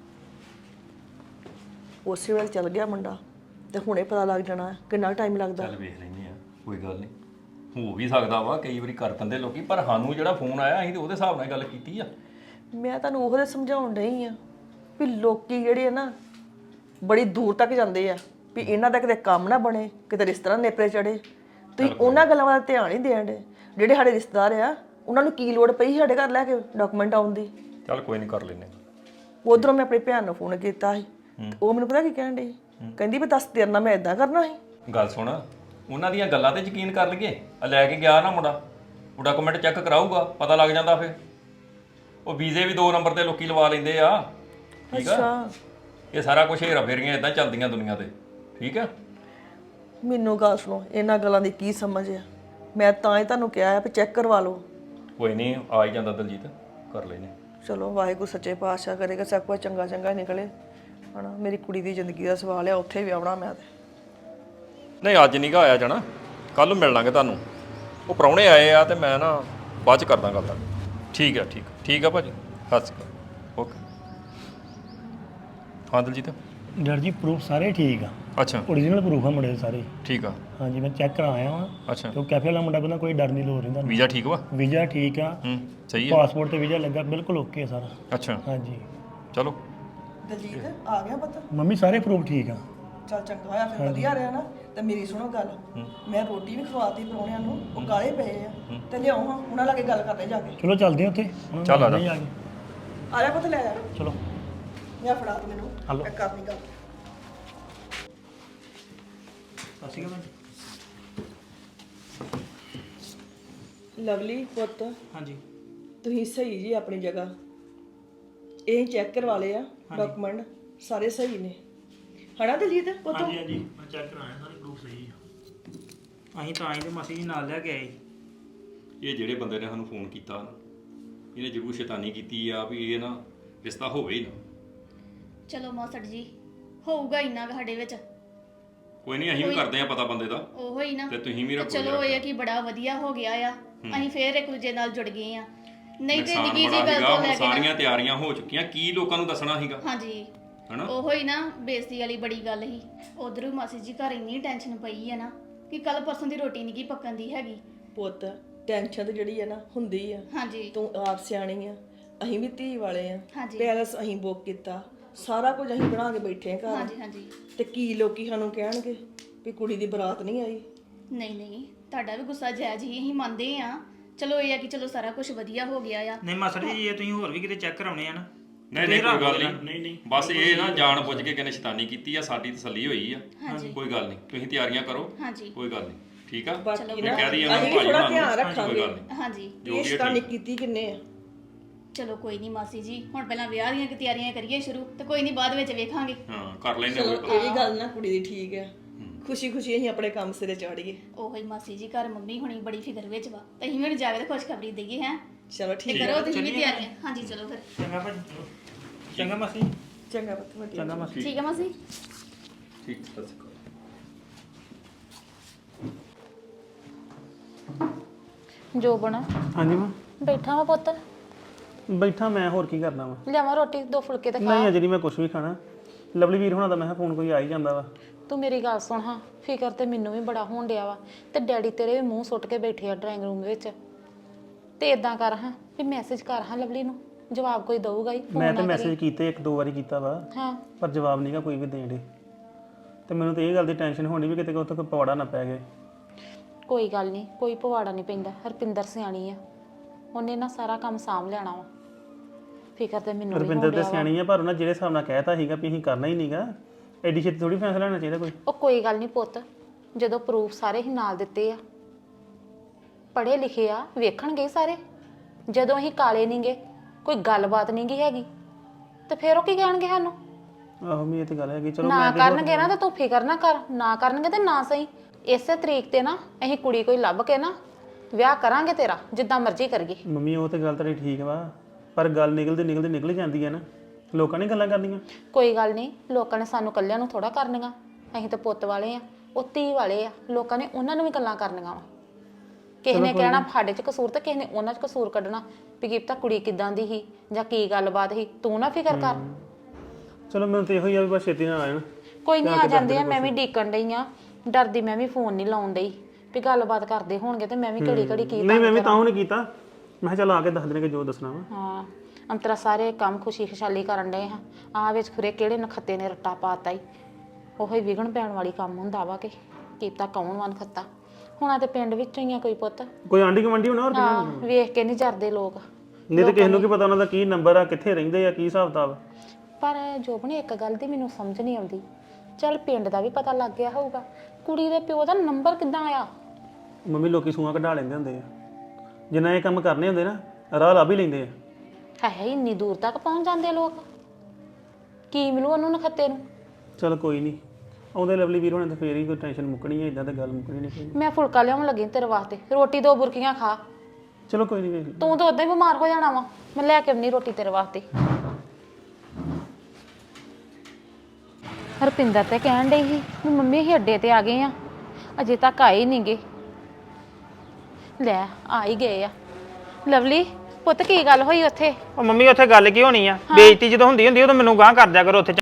[SPEAKER 1] ਉਸੇ ਵੇਲੇ ਚੱਲ ਗਿਆ ਮੁੰਡਾ ਤੇ ਹੁਣੇ ਪਤਾ ਲੱਗ ਜਾਣਾ ਹੈ ਕਿੰਨਾ ਟਾਈਮ ਲੱਗਦਾ।
[SPEAKER 2] ਚੱਲ ਵੇਖ ਲੈਂਦੇ ਆ, ਕੋਈ ਗੱਲ ਨਹੀਂ, ਹੋ ਵੀ ਸਕਦਾ ਵਾ ਕਈ ਵਾਰੀ ਕਰ ਦਿੰਦੇ ਲੋਕੀ, ਪਰ ਸਾਨੂੰ ਜਿਹੜਾ ਫੋਨ ਆਇਆ ਅਸੀਂ ਤੇ ਉਹਦੇ ਹਿਸਾਬ ਨਾਲ ਗੱਲ ਕੀਤੀ ਆ।
[SPEAKER 1] ਮੈਂ ਤੁਹਾਨੂੰ ਉਹਦੇ ਸਮਝਾਉਣ ਡਈ ਆ ਵੀ ਲੋਕੀ ਜਿਹੜੇ ਆ ਨਾ ਬੜੀ ਦੂਰ ਤੱਕ ਜਾਂਦੇ ਆ ਵੀ ਇਹਨਾਂ ਦਾ ਕਿਤੇ ਕੰਮ ਨਾ ਬਣੇ, ਕਿਤੇ ਰਿਸ਼ਤੇਦਾਰ ਨੇਪਰੇ ਚੜੇ। ਤੁਸੀਂ ਉਹਨਾਂ ਗੱਲਾਂ ਵੱਲ ਧਿਆਨ ਨਹੀਂ ਦੇਣ ਦੇ। ਜਿਹੜੇ ਸਾਡੇ ਰਿਸ਼ਤੇਦਾਰ ਆ ਉਹਨਾਂ ਨੂੰ ਕੀ ਲੋੜ ਪਈ ਸਾਡੇ ਘਰ ਲੈ ਕੇ ਡਾਕੂਮੈਂਟ ਆਉਣ ਦੀ।
[SPEAKER 2] ਚੱਲ ਕੋਈ ਨਹੀਂ ਕਰ ਲੈਨੇ।
[SPEAKER 1] ਉਧਰੋਂ ਮੈਂ ਆਪਣੀ ਭੈਣ ਨੂੰ ਫੋਨ ਕੀਤਾ ਸੀ, ਉਹ ਮੈਨੂੰ ਪਤਾ ਕੀ ਕਹਿਣ ਡਈ, ਕਹਿੰਦੀ ਵੀ ਦੱਸ ਤੇਰੇ ਨਾਲ ਮੈਂ ਇਦਾਂ ਕਰਨਾ ਸੀ।
[SPEAKER 2] ਗੱਲ ਸੁਣ, ਉਹਨਾਂ ਦੀਆਂ ਗੱਲਾਂ ਤੇ ਯਕੀਨ ਕਰ ਲਈਏ। ਆ ਲੈ ਕੇ ਗਿਆ ਨਾ ਮੁੰਡਾ, ਉਹ ਡਾਕੂਮੈਂਟ ਚੈੱਕ ਕਰਾਊਗਾ, ਪਤਾ ਲੱਗ ਜਾਂਦਾ ਫਿਰ। ਉਹ ਵੀਜ਼ੇ ਵੀ ਦੋ ਨੰਬਰ ਤੇ ਲੋਕੀ ਲਵਾ ਲੈਂਦੇ ਆ। ਠੀਕ ਆ, ਇਹ ਸਾਰਾ ਕੁਝ ਹੇਰਾ ਫੇਰੀਆਂ ਇਦਾਂ ਚੱਲਦੀਆਂ ਦੁਨੀਆ ਤੇ। ਠੀਕ ਆ,
[SPEAKER 1] ਮੈਨੂੰ ਗੱਲ ਸੁਣੋ, ਇਹਨਾਂ ਗੱਲਾਂ ਦੀ ਕੀ ਸਮਝ ਆ? ਮੈਂ ਤਾਂ ਹੀ ਤੁਹਾਨੂੰ ਕਿਹਾ ਆ ਵੀ ਚੈੱਕ ਕਰਵਾ ਲਓ।
[SPEAKER 2] ਕੋਈ ਨਹੀਂ, ਆ ਹੀ ਜਾਂਦਾ ਦਲਜੀਤ, ਕਰ ਲੈਨੇ।
[SPEAKER 1] ਚਲੋ ਵਾਹਿਗੁਰੂ ਸੱਚੇ ਪਾਤਸ਼ਾਹ ਕਰੇਗਾ ਸਭ ਕੁਝ ਚੰਗਾ ਚੰਗਾ ਨਿਕਲੇ ਹਨਾ। ਮੇਰੀ ਕੁੜੀ ਦੀ ਜ਼ਿੰਦਗੀ ਦਾ ਸਵਾਲ ਆ, ਉੱਥੇ ਵੀ ਆਉਣਾ ਮੈਂ ਤੇ।
[SPEAKER 2] ਨਹੀਂ ਅੱਜ ਨਹੀਂ ਗਾ ਆਇਆ ਜਾਣਾ, ਕੱਲ ਨੂੰ ਮਿਲ ਲਾਂਗੇ ਤੁਹਾਨੂੰ। ਉਹ ਪ੍ਰਾਹੁਣੇ ਆਏ ਆ ਤੇ ਮੈਂ ਨਾ ਬਾਅਦ ਚ ਕਰਦਾ ਗੱਲ। ਠੀਕ ਆ, ਠੀਕ ਠੀਕ ਆ ਭਾਜੀ, ਸਤਿ ਸ਼੍ਰੀ ਅਕਾਲ। ਓਕੇ। ਹਾਂ ਦਲਜੀਤ।
[SPEAKER 9] ਡਰ ਜੀ ਪ੍ਰੂਫ ਸਾਰੇ ਠੀਕ ਆ,
[SPEAKER 2] ਅੱਛਾ
[SPEAKER 9] ਓਰੀਜਨਲ ਪ੍ਰੂਫ ਆ ਮੁੰਡੇ ਦੇ ਸਾਰੇ।
[SPEAKER 2] ਠੀਕ ਆ।
[SPEAKER 9] ਹਾਂਜੀ ਮੈਂ ਚੈੱਕ ਕਰਾ ਆਇਆ ਵਾਂ।
[SPEAKER 2] ਅੱਛਾ,
[SPEAKER 9] ਤੇ ਉਹ ਕੈਫੇ ਵਾਲਾ ਮੁੰਡਾ ਕਹਿੰਦਾ ਕੋਈ ਡਰ ਨਹੀਂ ਲੋੜ ਰਹਿੰਦਾ।
[SPEAKER 2] ਵੀਜ਼ਾ ਠੀਕ ਵਾ?
[SPEAKER 9] ਵੀਜ਼ਾ ਠੀਕ ਆ,
[SPEAKER 2] ਹੂੰ ਸਹੀ ਆ।
[SPEAKER 9] ਪਾਸਪੋਰਟ ਤੇ ਵੀਜ਼ਾ ਲੱਗਾ, ਬਿਲਕੁਲ ਓਕੇ ਸਾਰਾ।
[SPEAKER 2] ਅੱਛਾ
[SPEAKER 9] ਹਾਂਜੀ
[SPEAKER 2] ਚਲੋ।
[SPEAKER 1] ਦਲਜੀਤ ਆ ਗਿਆ ਪਤਾ?
[SPEAKER 9] ਮੰਮੀ ਸਾਰੇ ਪ੍ਰੂਫ ਠੀਕ ਆ।
[SPEAKER 1] ਚੱਲ ਚੰਗਾ ਹੋਇਆ ਫਿਰ, ਵਧੀਆ ਰਿਹਾ ਨਾ। ਤੇ ਮੇਰੀ ਸੁਣੋ ਗੱਲ, ਮੈਂ ਰੋਟੀ ਵੀ ਖਵਾਤੀ ਪ੍ਰਾਹੁਣਿਆਂ ਨੂੰ, ਉਹ ਕਾਲੇ ਪਏ ਆ ਤੇ ਲਿਆਓ ਹਾਂ ਉਹਨਾਂ ਲਾਗੇ ਗੱਲ ਕਰਦੇ ਜਾ ਕੇ।
[SPEAKER 9] ਚਲੋ ਚੱਲਦੇ ਆ ਉੱਥੇ ਉਹਨਾਂ ਨੂੰ
[SPEAKER 2] ਚੱਲ ਆ ਜਾ।
[SPEAKER 9] ਨਹੀਂ ਆ ਗਏ।
[SPEAKER 1] ਆ ਜਾ ਪੁੱਤ ਲੈ ਜਾ,
[SPEAKER 9] ਚਲੋ
[SPEAKER 1] ਮੈਂ ਫੜਾ ਤੀ ਮੈਨੂੰ,
[SPEAKER 9] ਹਲੋ।
[SPEAKER 1] ਮੈਂ ਕਰਨੀ ਗੱਲ।
[SPEAKER 9] ਅਸੀਂ ਕਿਵੇਂ?
[SPEAKER 1] ਲਵਲੀ ਪੁੱਤ,
[SPEAKER 9] ਹਾਂਜੀ
[SPEAKER 1] ਤੁਸੀਂ ਸਹੀ ਜੀ ਆਪਣੀ ਜਗ੍ਹਾ। ਇਹ ਚੈੱਕ ਕਰਵਾ ਲਏ ਆ ਡਾਕੂਮੈਂਟ, ਸਾਰੇ ਸਹੀ ਨੇ ਹਨਾ ਦਲਜੀਤ ਪੁੱਤ?
[SPEAKER 9] ਹਾਂਜੀ ਹਾਂਜੀ ਮੈਂ ਚੈੱਕ ਕਰਾਇਆ, ਸਾਰੇ ਪ੍ਰੂਫ ਸਹੀ ਆ। ਅਸੀਂ ਤਾਂ ਆਏ ਤੇ ਮਾਸੀ ਜੀ ਨਾਲ ਲੈ ਕੇ ਆਏ।
[SPEAKER 2] ਇਹ ਜਿਹੜੇ ਬੰਦੇ ਨੇ ਸਾਨੂੰ ਫੋਨ ਕੀਤਾ ਨਾ, ਇਹਨੇ ਜ਼ਰੂਰ ਸ਼ੈਤਾਨੀ ਕੀਤੀ ਆ ਵੀ ਇਹ ਨਾ ਰਿਸ਼ਤਾ ਹੋਵੇ ਹੀ ਨਾ।
[SPEAKER 3] ਚਲੋ ਮਾਸੜ ਜੀ, ਹੋਊਗਾ ਇੰਨਾ ਕੁ ਸਾਡੇ ਵਿੱਚ।
[SPEAKER 2] ਕੋਈ ਨਹੀਂ, ਅਸੀਂ ਵੀ ਕਰਦੇ ਆ ਪਤਾ ਬੰਦੇ ਦਾ,
[SPEAKER 3] ਉਹੋ ਹੀ ਨਾ।
[SPEAKER 2] ਤੇ ਤੁਸੀਂ ਵੀ ਰੱਖੋ।
[SPEAKER 3] ਚਲੋ ਇਹ ਆ ਕਿ ਬੜਾ ਵਧੀਆ ਹੋ ਗਿਆ ਆ, ਅਸੀਂ ਫੇਰ ਇੱਕ ਦੂਜੇ ਨਾਲ ਜੁੜ ਗਏ ਆ। ਨਹੀਂ ਤੇ
[SPEAKER 2] ਨੁਕਸਾਨ
[SPEAKER 3] ਨਿੱਕੀ ਜੀ
[SPEAKER 2] ਬੜਾ
[SPEAKER 3] ਗੱਲ
[SPEAKER 2] ਸੀਗਾ,
[SPEAKER 3] ਤੋਂ
[SPEAKER 2] ਹੁਣ
[SPEAKER 3] ਲੈ ਕੇ ਨਾ-
[SPEAKER 2] ਸਾਰੀਆਂ ਤਿਆਰੀਆਂ ਹੋ ਚੁੱਕੀਆਂ, ਕੀ ਲੋਕਾਂ ਨੂੰ ਦੱਸਣਾ ਸੀਗਾ
[SPEAKER 3] ਹਾਂਜੀ
[SPEAKER 2] ਹਨਾ।
[SPEAKER 3] ਉਹੋ ਹੀ ਨਾ, ਬੇਇੱਜ਼ਤੀ ਵਾਲੀ ਬੜੀ ਗੱਲ ਸੀ। ਉਧਰੋਂ ਮਾਸੀ ਜੀ ਘਰ ਇੰਨੀ ਟੈਨਸ਼ਨ ਪਈ ਆ ਨਾ ਕਿ ਕੱਲ ਪਰਸੋਂ ਦੀ ਰੋਟੀ ਨਹੀਂ ਕੀ ਪੱਕਣ ਦੀ ਹੈਗੀ।
[SPEAKER 1] ਪੁੱਤ ਟੈਨਸ਼ਨ ਤੇ ਜਿਹੜੀ ਆ ਨਾ ਹੁੰਦੀ ਆ।
[SPEAKER 3] ਹਾਂਜੀ
[SPEAKER 1] ਤੂੰ ਆਪ ਸਿਆਣੀ ਆ, ਅਸੀਂ ਵੀ ਧੀ ਵਾਲੇ ਆ।
[SPEAKER 3] ਹਾਂਜੀ।
[SPEAKER 1] ਪੈਲਸ ਅਸੀਂ ਬੁੱਕ ਕੀਤਾ, ਸਾਰਾ ਕੁਝ ਅਸੀਂ ਬਣਾ ਕੇ ਬੈਠੇ ਆ ਘਰ।
[SPEAKER 3] ਹਾਂਜੀ ਹਾਂਜੀ
[SPEAKER 1] ਤੇ ਕੀ ਲੋਕੀ ਸਾਨੂੰ ਕਹਿਣਗੇ ਵੀ ਕੁੜੀ ਦੀ ਬਰਾਤ ਨਹੀਂ ਆਈ।
[SPEAKER 3] ਨਹੀਂ ਨਹੀਂ, ਤੁਹਾਡਾ ਵੀ ਗੁੱਸਾ ਜਾਇਜ਼ ਹੀ, ਅਸੀਂ ਮੰਨਦੇ ਆ। ਚਲੋ ਇਹ ਆ ਕਿ ਚਲੋ ਸਾਰਾ ਕੁਝ ਵਧੀਆ ਹੋ ਗਿਆ ਆ।
[SPEAKER 9] ਨਹੀਂ ਮਾਸਟਰ ਜੀ, ਇਹ ਤੁਸੀਂ ਹੋਰ ਵੀ ਕਿਤੇ ਚੈੱਕ ਕਰਾਉਣੇ ਆ ਨਾ।
[SPEAKER 2] ਨਹੀਂ ਨਹੀਂ ਕੋਈ ਗੱਲ
[SPEAKER 9] ਨਹੀਂ
[SPEAKER 2] ਨਹੀਂ,
[SPEAKER 9] ਨਹੀਂ
[SPEAKER 2] ਬਸ ਇਹ ਨਾ ਜਾਣ ਬੁੱਝ ਕੇ ਕਿਨੇ ਸ਼ੈਤਾਨੀ ਕੀਤੀ ਆ, ਸਾਡੀ ਤਸੱਲੀ ਹੋਈ ਆ।
[SPEAKER 3] ਹਾਂਜੀ
[SPEAKER 2] ਕੋਈ ਗੱਲ ਨਹੀਂ, ਤੁਸੀਂ ਤਿਆਰੀਆਂ ਕਰੋ,
[SPEAKER 3] ਹਾਂਜੀ
[SPEAKER 2] ਕੋਈ ਗੱਲ ਨਹੀਂ। ਠੀਕ ਆ,
[SPEAKER 1] ਬਾਕੀ
[SPEAKER 2] ਮੈਂ
[SPEAKER 1] ਨਾ
[SPEAKER 2] ਕਹਿ ਰਹੀ ਆ
[SPEAKER 1] ਅਸੀਂ ਵੀ
[SPEAKER 2] ਭਾਈ
[SPEAKER 1] ਥੋੜਾ
[SPEAKER 2] ਉਹਨਾਂ
[SPEAKER 1] ਧਿਆਨ
[SPEAKER 2] ਨੂੰ, ਕੋਈ
[SPEAKER 1] ਰੱਖਾਂਗੇ।
[SPEAKER 2] ਗੱਲ ਨਹੀਂ।
[SPEAKER 3] ਹਾਂਜੀ
[SPEAKER 1] ਇਹ ਸ਼ੈਤਾਨੀ ਕੀਤੀ ਕਿੰਨੇ ਆ?
[SPEAKER 3] ਚਲੋ ਕੋਈ ਨਹੀਂ ਮਾਸੀ ਜੀ, ਹੁਣ ਪਹਿਲਾਂ ਵਿਆਹ ਦੀਆਂ ਤਿਆਰੀਆਂ ਕਰੀਏ ਸ਼ੁਰੂ, ਤੇ ਕੋਈ ਨਹੀਂ ਬਾਅਦ ਵਿੱਚ ਵੇਖਾਂਗੇ।
[SPEAKER 2] ਹਾਂ ਕਰ ਲੈਣੇ
[SPEAKER 1] ਚਲੋ
[SPEAKER 2] ਕੋਈ
[SPEAKER 1] ਇਹ ਵੀ ਗੱਲ ਨਾ ਕੁੜੀ ਦੀ ਠੀਕ ਆ, ਖੁਸ਼ੀ ਖੁਸ਼ੀ ਅਸੀਂ ਆਪਣੇ ਕੰਮ ਸਿਰੇ ਚਾੜੀਏ।
[SPEAKER 3] ਉਹੋ ਹੀ ਮਾਸੀ ਜੀ, ਘਰ ਮੰਮੀ ਹੁਣੀ ਬੜੀ ਫਿਕਰ ਵਿੱਚ ਵਾ, ਤੇ ਅਸੀਂ ਵੀ ਜਾ ਕੇ ਖੁਸ਼ਖਬਰੀ ਦਈਏ ਹੈ।
[SPEAKER 1] ਚਲੋ
[SPEAKER 3] ਤੇ
[SPEAKER 1] ਠੀਕ
[SPEAKER 3] ਕਰੋ ਤੁਸੀਂ ਵੀ ਤਿਆਰੀਆਂ। ਹਾਂਜੀ ਚਲੋ ਫਿਰ।
[SPEAKER 9] ਚੰਗਾ ਭਾਜੀ, ਚਲੋ ਚੰਗਾ ਮਾਸੀ।
[SPEAKER 1] ਚੰਗਾ ਪੁੱਤ, ਵਧੀਆ।
[SPEAKER 9] ਚੰਗਾ ਮਾਸੀ।
[SPEAKER 3] ਠੀਕ ਹੈ ਮਾਸੀ।
[SPEAKER 2] ਠੀਕ ਸਤਿ ਸ਼੍ਰੀ ਅਕਾਲ।
[SPEAKER 7] ਜੋਬਨ
[SPEAKER 9] ਹਾਂਜੀ ਮਾਂ
[SPEAKER 7] ਬੈਠਾ ਵਾ ਪੁੱਤ,
[SPEAKER 9] ਬੈਠਾ ਮੈਂ, ਹੋਰ ਕੀ ਕਰਨਾ ਵਾ?
[SPEAKER 7] ਲਿਆਵਾਂ ਰੋਟੀ ਦੋ ਫੁਲਕੇ ਤੇ ਖਾ।
[SPEAKER 9] ਨਹੀਂ ਅਜੇ ਨਹੀਂ ਮੈਂ ਕੁਝ ਵੀ ਖਾਣਾ। ਲਵਲੀ ਵੀਰ ਹੋਣਾ ਦਾ ਮੈਂ ਕਿਹਾ ਫੋਨ ਕੋਈ ਆ ਹੀ ਜਾਂਦਾ ਵਾ।
[SPEAKER 7] ਤੂੰ ਮੇਰੀ ਗੱਲ ਸੁਣ ਹਾਂ, ਫਿਕਰ ਤੇ ਮੈਨੂੰ ਵੀ ਬੜਾ ਹੋਣ ਡਿਆ ਵਾ। ਤੇ ਡੈਡੀ ਤੇਰੇ ਵੀ ਮੂੰਹ ਸੁੱਟ ਕੇ ਬੈਠੇ ਆ ਡਰਾਇੰਗ ਰੂਮ ਵਿੱਚ। ਤੇ ਇਦਾਂ ਕਰ ਹਾਂ ਵੀ ਮੈਸੇਜ ਕਰ ਹਾਂ ਲਵਲੀ ਨੂੰ, ਜਵਾਬ ਕੋਈ ਦਊਗਾ ਹੀ।
[SPEAKER 9] ਮੈਂ ਤੇ ਮੈਸੇਜ ਕੀਤੇ, ਇੱਕ ਦੋ ਵਾਰੀ ਕੀਤਾ ਵਾ,
[SPEAKER 7] ਹਾਂ
[SPEAKER 9] ਪਰ ਜਵਾਬ ਨਹੀਂਗਾ ਕੋਈ ਵੀ ਦੇਣ ਦੇ। ਤੇ ਮੈਨੂੰ ਤੇ ਇਹ ਗੱਲ ਦੀ ਟੈਨਸ਼ਨ ਹੋਣੀ ਵੀ ਕਿਤੇ ਉੱਥੇ ਕੋਈ ਪਵਾੜਾ ਨਾ ਪੈ ਗਏ।
[SPEAKER 7] ਕੋਈ ਗੱਲ ਨਹੀਂ, ਕੋਈ ਪਵਾੜਾ ਨਹੀਂ ਪੈਂਦਾ। ਹਰਪਿੰਦਰ ਸਿਆਣੀ ਆ, ਉਹਨੇ ਨਾ ਸਾਰਾ ਕੰਮ ਸਾਂਭ ਲੈਣਾ ਵਾ। ਫਿਕਰ ਤੇ ਮੈਨੂੰ ਵੀ
[SPEAKER 9] ਰੁਪਿੰਦਰ
[SPEAKER 7] ਹੋਣ
[SPEAKER 9] ਤੇ
[SPEAKER 7] ਡਿਆ ਵਾ।
[SPEAKER 9] ਸਿਆਣੀ ਆ, ਪਰ ਉਹਨਾਂ ਜਿਹੜੇ ਹਿਸਾਬ ਨਾਲ ਕਹਿਤਾ ਸੀਗਾ ਵੀ ਅਸੀਂ ਕਰਨਾ ਹੀ ਨਹੀਂਗਾ, ਐਡੀ ਛੇਤੀ ਥੋੜੀ ਫੈਸਲਾ ਲੈਣਾ ਚਾਹੀਦਾ ਕੋਈ।
[SPEAKER 7] ਉਹ ਕੋਈ ਗੱਲ ਨਹੀਂ ਪੁੱਤ, ਜਦੋਂ ਪ੍ਰੂਫ ਸਾਰੇ ਹੀ ਨਾਲ ਦਿੱਤੇ ਆ, ਪੜ੍ਹੇ ਲਿਖੇ ਆ, ਵੇਖਣਗੇ ਸਾਰੇ। ਜਦੋਂ ਅਸੀਂ ਕਾਲੇ ਨਹੀਂਗੇ, ਕੋਈ ਗੱਲਬਾਤ ਨਹੀਂਗੀ ਹੈਗੀ, ਤੇ ਫਿਰ ਉਹ ਕੀ ਕਹਿਣਗੇ ਸਾਨੂੰ?
[SPEAKER 9] ਆਹੋ ਮੈਂ ਇਹ ਤੇ ਗੱਲ ਹੈਗੀ। ਚਲੋ
[SPEAKER 7] ਨਾ
[SPEAKER 9] ਮੈਂ ਤੇ
[SPEAKER 7] ਕਰਨਗੇ ਨਾ ਤਾਂ ਤੂੰ ਫਿਕਰ ਨਾ ਕਰ, ਨਾ ਕਰਨਗੇ ਤੇ ਨਾ ਸਹੀ। ਇਸੇ ਤਰੀਕ ਤੇ ਨਾ ਅਸੀਂ ਕੁੜੀ ਕੋਈ ਲੱਭ ਕੇ ਨਾ ਵਿਆਹ ਕਰਾਂਗੇ ਤੇਰਾ, ਜਿੱਦਾਂ ਮਰਜ਼ੀ ਕਰੀਏ।
[SPEAKER 9] ਮੰਮੀ ਉਹ ਤੇ ਗੱਲ ਤੇਰੀ ਠੀਕ ਵਾ, ਪਰ ਗੱਲ ਨਿਕਲਦੀ ਨਿਕਲਦੀ ਨਿਕਲ ਜਾਂਦੀ ਹੈ ਨਾ। ਲੋਕਾਂ ਨੇ ਗੱਲਾਂ ਕਰਨੀਆਂ।
[SPEAKER 7] ਕੋਈ ਗੱਲ ਨਹੀਂ, ਲੋਕਾਂ ਨੇ ਸਾਨੂੰ ਕੱਲਿਆਂ ਨੂੰ ਥੋੜਾ ਕਰਨੀਆਂ। ਅਸੀਂ ਤਾਂ ਪੁੱਤ ਵਾਲੇ ਆ, ਉਹ ਧੀ ਵਾਲੇ ਆ। ਲੋਕਾਂ ਨੇ ਉਹਨਾਂ ਨੂੰ ਵੀ ਗੱਲਾਂ ਕਰਨੀਆਂ ਵਾ। ਕਿਸੇ ਨੇ ਕਹਿਣਾ ਸਾਡੇ 'ਚ ਕਸੂਰ, ਤੇ ਕਿਸੇ ਨੇ ਉਹਨਾਂ 'ਚ ਕਸੂਰ ਕੱਢਣਾ ਵੀ ਕੀ ਪਤਾ ਕੁੜੀ ਕਿੱਦਾਂ ਦੀ ਸੀ ਜਾਂ ਕੀ ਗੱਲਬਾਤ ਸੀ। ਤੂੰ ਨਾ ਫਿਕਰ ਕਰ।
[SPEAKER 9] ਚਲੋ ਮੈਨੂੰ ਤੇ ਇਹੋ ਹੀ ਆ ਵੀ ਬਸ ਛੇਤੀ ਨਾਲ ਆ ਜਾਣ।
[SPEAKER 7] ਕੋਈ ਨਹੀਂ, ਆ ਜਾਂਦੇ ਆ। ਮੈਂ ਵੀ ਡੀਕਣ ਡਈ ਆ, ਡਰਦੀ ਮੈਂ ਵੀ ਫੋਨ ਨਹੀਂ ਲਾਉਣ ਡਈ ਵੀ ਗੱਲਬਾਤ ਕਰਦੇ ਹੋਣਗੇ ਤੇ ਮੈਂ ਵੀ ਘੜੀ ਘੜੀ ਕੀ
[SPEAKER 9] ਨਹੀਂ ਮੈਂ ਵੀ ਤਾਂ ਉਹਨੇ ਕੀਤਾ, ਮੈਂ ਕਿਹਾ ਚੱਲ ਆ ਕੇ ਦੱਸ ਦੇਣਗੇ ਜੋ ਦੱਸਣਾ ਵਾ।
[SPEAKER 7] ਹਾਂ ਅੰਤਰਾ ਸਾਰੇ ਕੰਮ ਖੁਸ਼ੀ ਖੁਸ਼ਹਾਲੀ ਕਰਨ ਡਏ ਹਾਂ ਆ ਵਿੱਚ ਖੁਰੇ ਕਿਹੜੇ ਨਖੱਤੇ ਨੇ ਰੱਟਾ ਪਾਤਾ ਈ ਉਹੀ ਵਿਗਣ ਪੈਣ ਵਾਲੀ ਕੰਮ ਹੁੰਦਾ ਵਾ ਕਿ ਕੀਤਾ ਕੌਣ ਵਨ ਖੱਤਾ ਹੁਣਾਂ ਤੇ ਪਿੰਡ ਵਿੱਚੋਂ ਹੀ ਆ ਕੋਈ ਪੁੱਤ
[SPEAKER 9] ਕੋਈ ਆਂਢੀ ਗੁਆਂਢੀ ਹੋਣਾ ਹੋਰ
[SPEAKER 7] ਹਾਂ ਵੇਖ ਕੇ ਨਹੀਂ ਜਰਦੇ ਲੋਕ
[SPEAKER 9] ਨਹੀਂ ਤੇ ਕਿਸੇ ਨੂੰ ਕੀ ਪਤਾ ਉਹਨਾਂ ਦਾ ਕੀ ਨੰਬਰ ਆ ਕਿੱਥੇ ਰਹਿੰਦੇ ਆ ਕੀ ਹਿਸਾਬ ਕਿਤਾਬ।
[SPEAKER 7] ਪਰ ਜੋਬਨ ਇੱਕ ਗੱਲ ਦੀ ਮੈਨੂੰ ਸਮਝ ਨਹੀਂ ਆਉਂਦੀ ਚੱਲ ਪਿੰਡ ਦਾ ਵੀ ਪਤਾ ਲੱਗ ਗਿਆ ਹੋਊਗਾ ਕੁੜੀ ਦੇ ਪਿਓ ਦਾ ਨੰਬਰ ਕਿੱਦਾਂ ਆਇਆ?
[SPEAKER 9] ਮੰਮੀ ਲੋਕੀ ਸੂਆਂ ਕਢਾ ਲੈਂਦੇ ਹੁੰਦੇ ਆ ਜਿੰਨਾ ਇਹ ਕੰਮ ਕਰਨੇ ਹੁੰਦੇ ਨਾ ਰਾਹ ਲੱਭ ਹੀ ਲੈਂਦੇ ਆ।
[SPEAKER 7] ਹੈ ਇੰਨੀ ਦੂਰ ਤੱਕ ਪਹੁੰਚ ਜਾਂਦੇ ਲੋਕ ਕੀ ਮਿਲੂ ਉਹਨੂੰ ਨਖੱਤੇ ਨੂੰ।
[SPEAKER 9] ਚਲ ਕੋਈ ਨਹੀਂ ਆਉਂਦੇ ਲਵਲੀ ਵੀਰ ਹੋਣੇ ਤੇ ਫੇਰ ਹੀ ਕੋਈ ਟੈਨਸ਼ਨ ਮੁੱਕਣੀ ਹੈ ਇਦਾਂ ਤਾਂ ਗੱਲ ਮੁੱਕਣੀ ਨਹੀਂ ਕੋਈ।
[SPEAKER 7] ਮੈਂ ਫੁਲਕਾ ਲਿਆਉਣ ਲੱਗੀ ਤੇਰੇ ਵਾਸਤੇ ਰੋਟੀ ਦੋ ਬੁਰਕੀਆਂ ਖਾ
[SPEAKER 9] ਚਲੋ ਕੋਈ ਨਹੀਂ ਵੇਖ
[SPEAKER 7] ਤੂੰ ਤਾਂ ਉਦਾਂ ਹੀ ਬਿਮਾਰ ਹੋ ਜਾਣਾ ਵਾ ਮੈਂ ਲੈ ਕੇ ਆਉਣੀ ਰੋਟੀ ਤੇਰੇ ਵਾਸਤੇ। ਹਰਪਿੰਦਰ ਤੇ ਕਹਿਣ ਡਈ ਸੀ ਵੀ ਮੰਮੀ ਅਸੀਂ ਅੱਡੇ ਤੇ ਆ ਗਏ ਆ ਅਜੇ ਤੱਕ ਆਏ ਨਹੀਂ ਗੇ ਲੈ ਆ ਹੀ ਗਏ ਆ। ਲਵਲੀ ਪੁੱਤ ਕੀ ਗੱਲ ਹੋਈ ਉੱਥੇ?
[SPEAKER 5] ਉਹ ਮੰਮੀ ਉੱਥੇ ਗੱਲ ਕੀ ਹੋਣੀ ਆ ਬੇਇੱਜ਼ਤੀ ਜਦੋਂ ਹੁੰਦੀ ਹੁੰਦੀ ਉਦੋਂ ਮੈਨੂੰ ਗਾਂਹ ਕਰ ਦਿਆ ਕਰੋ ਉੱਥੇ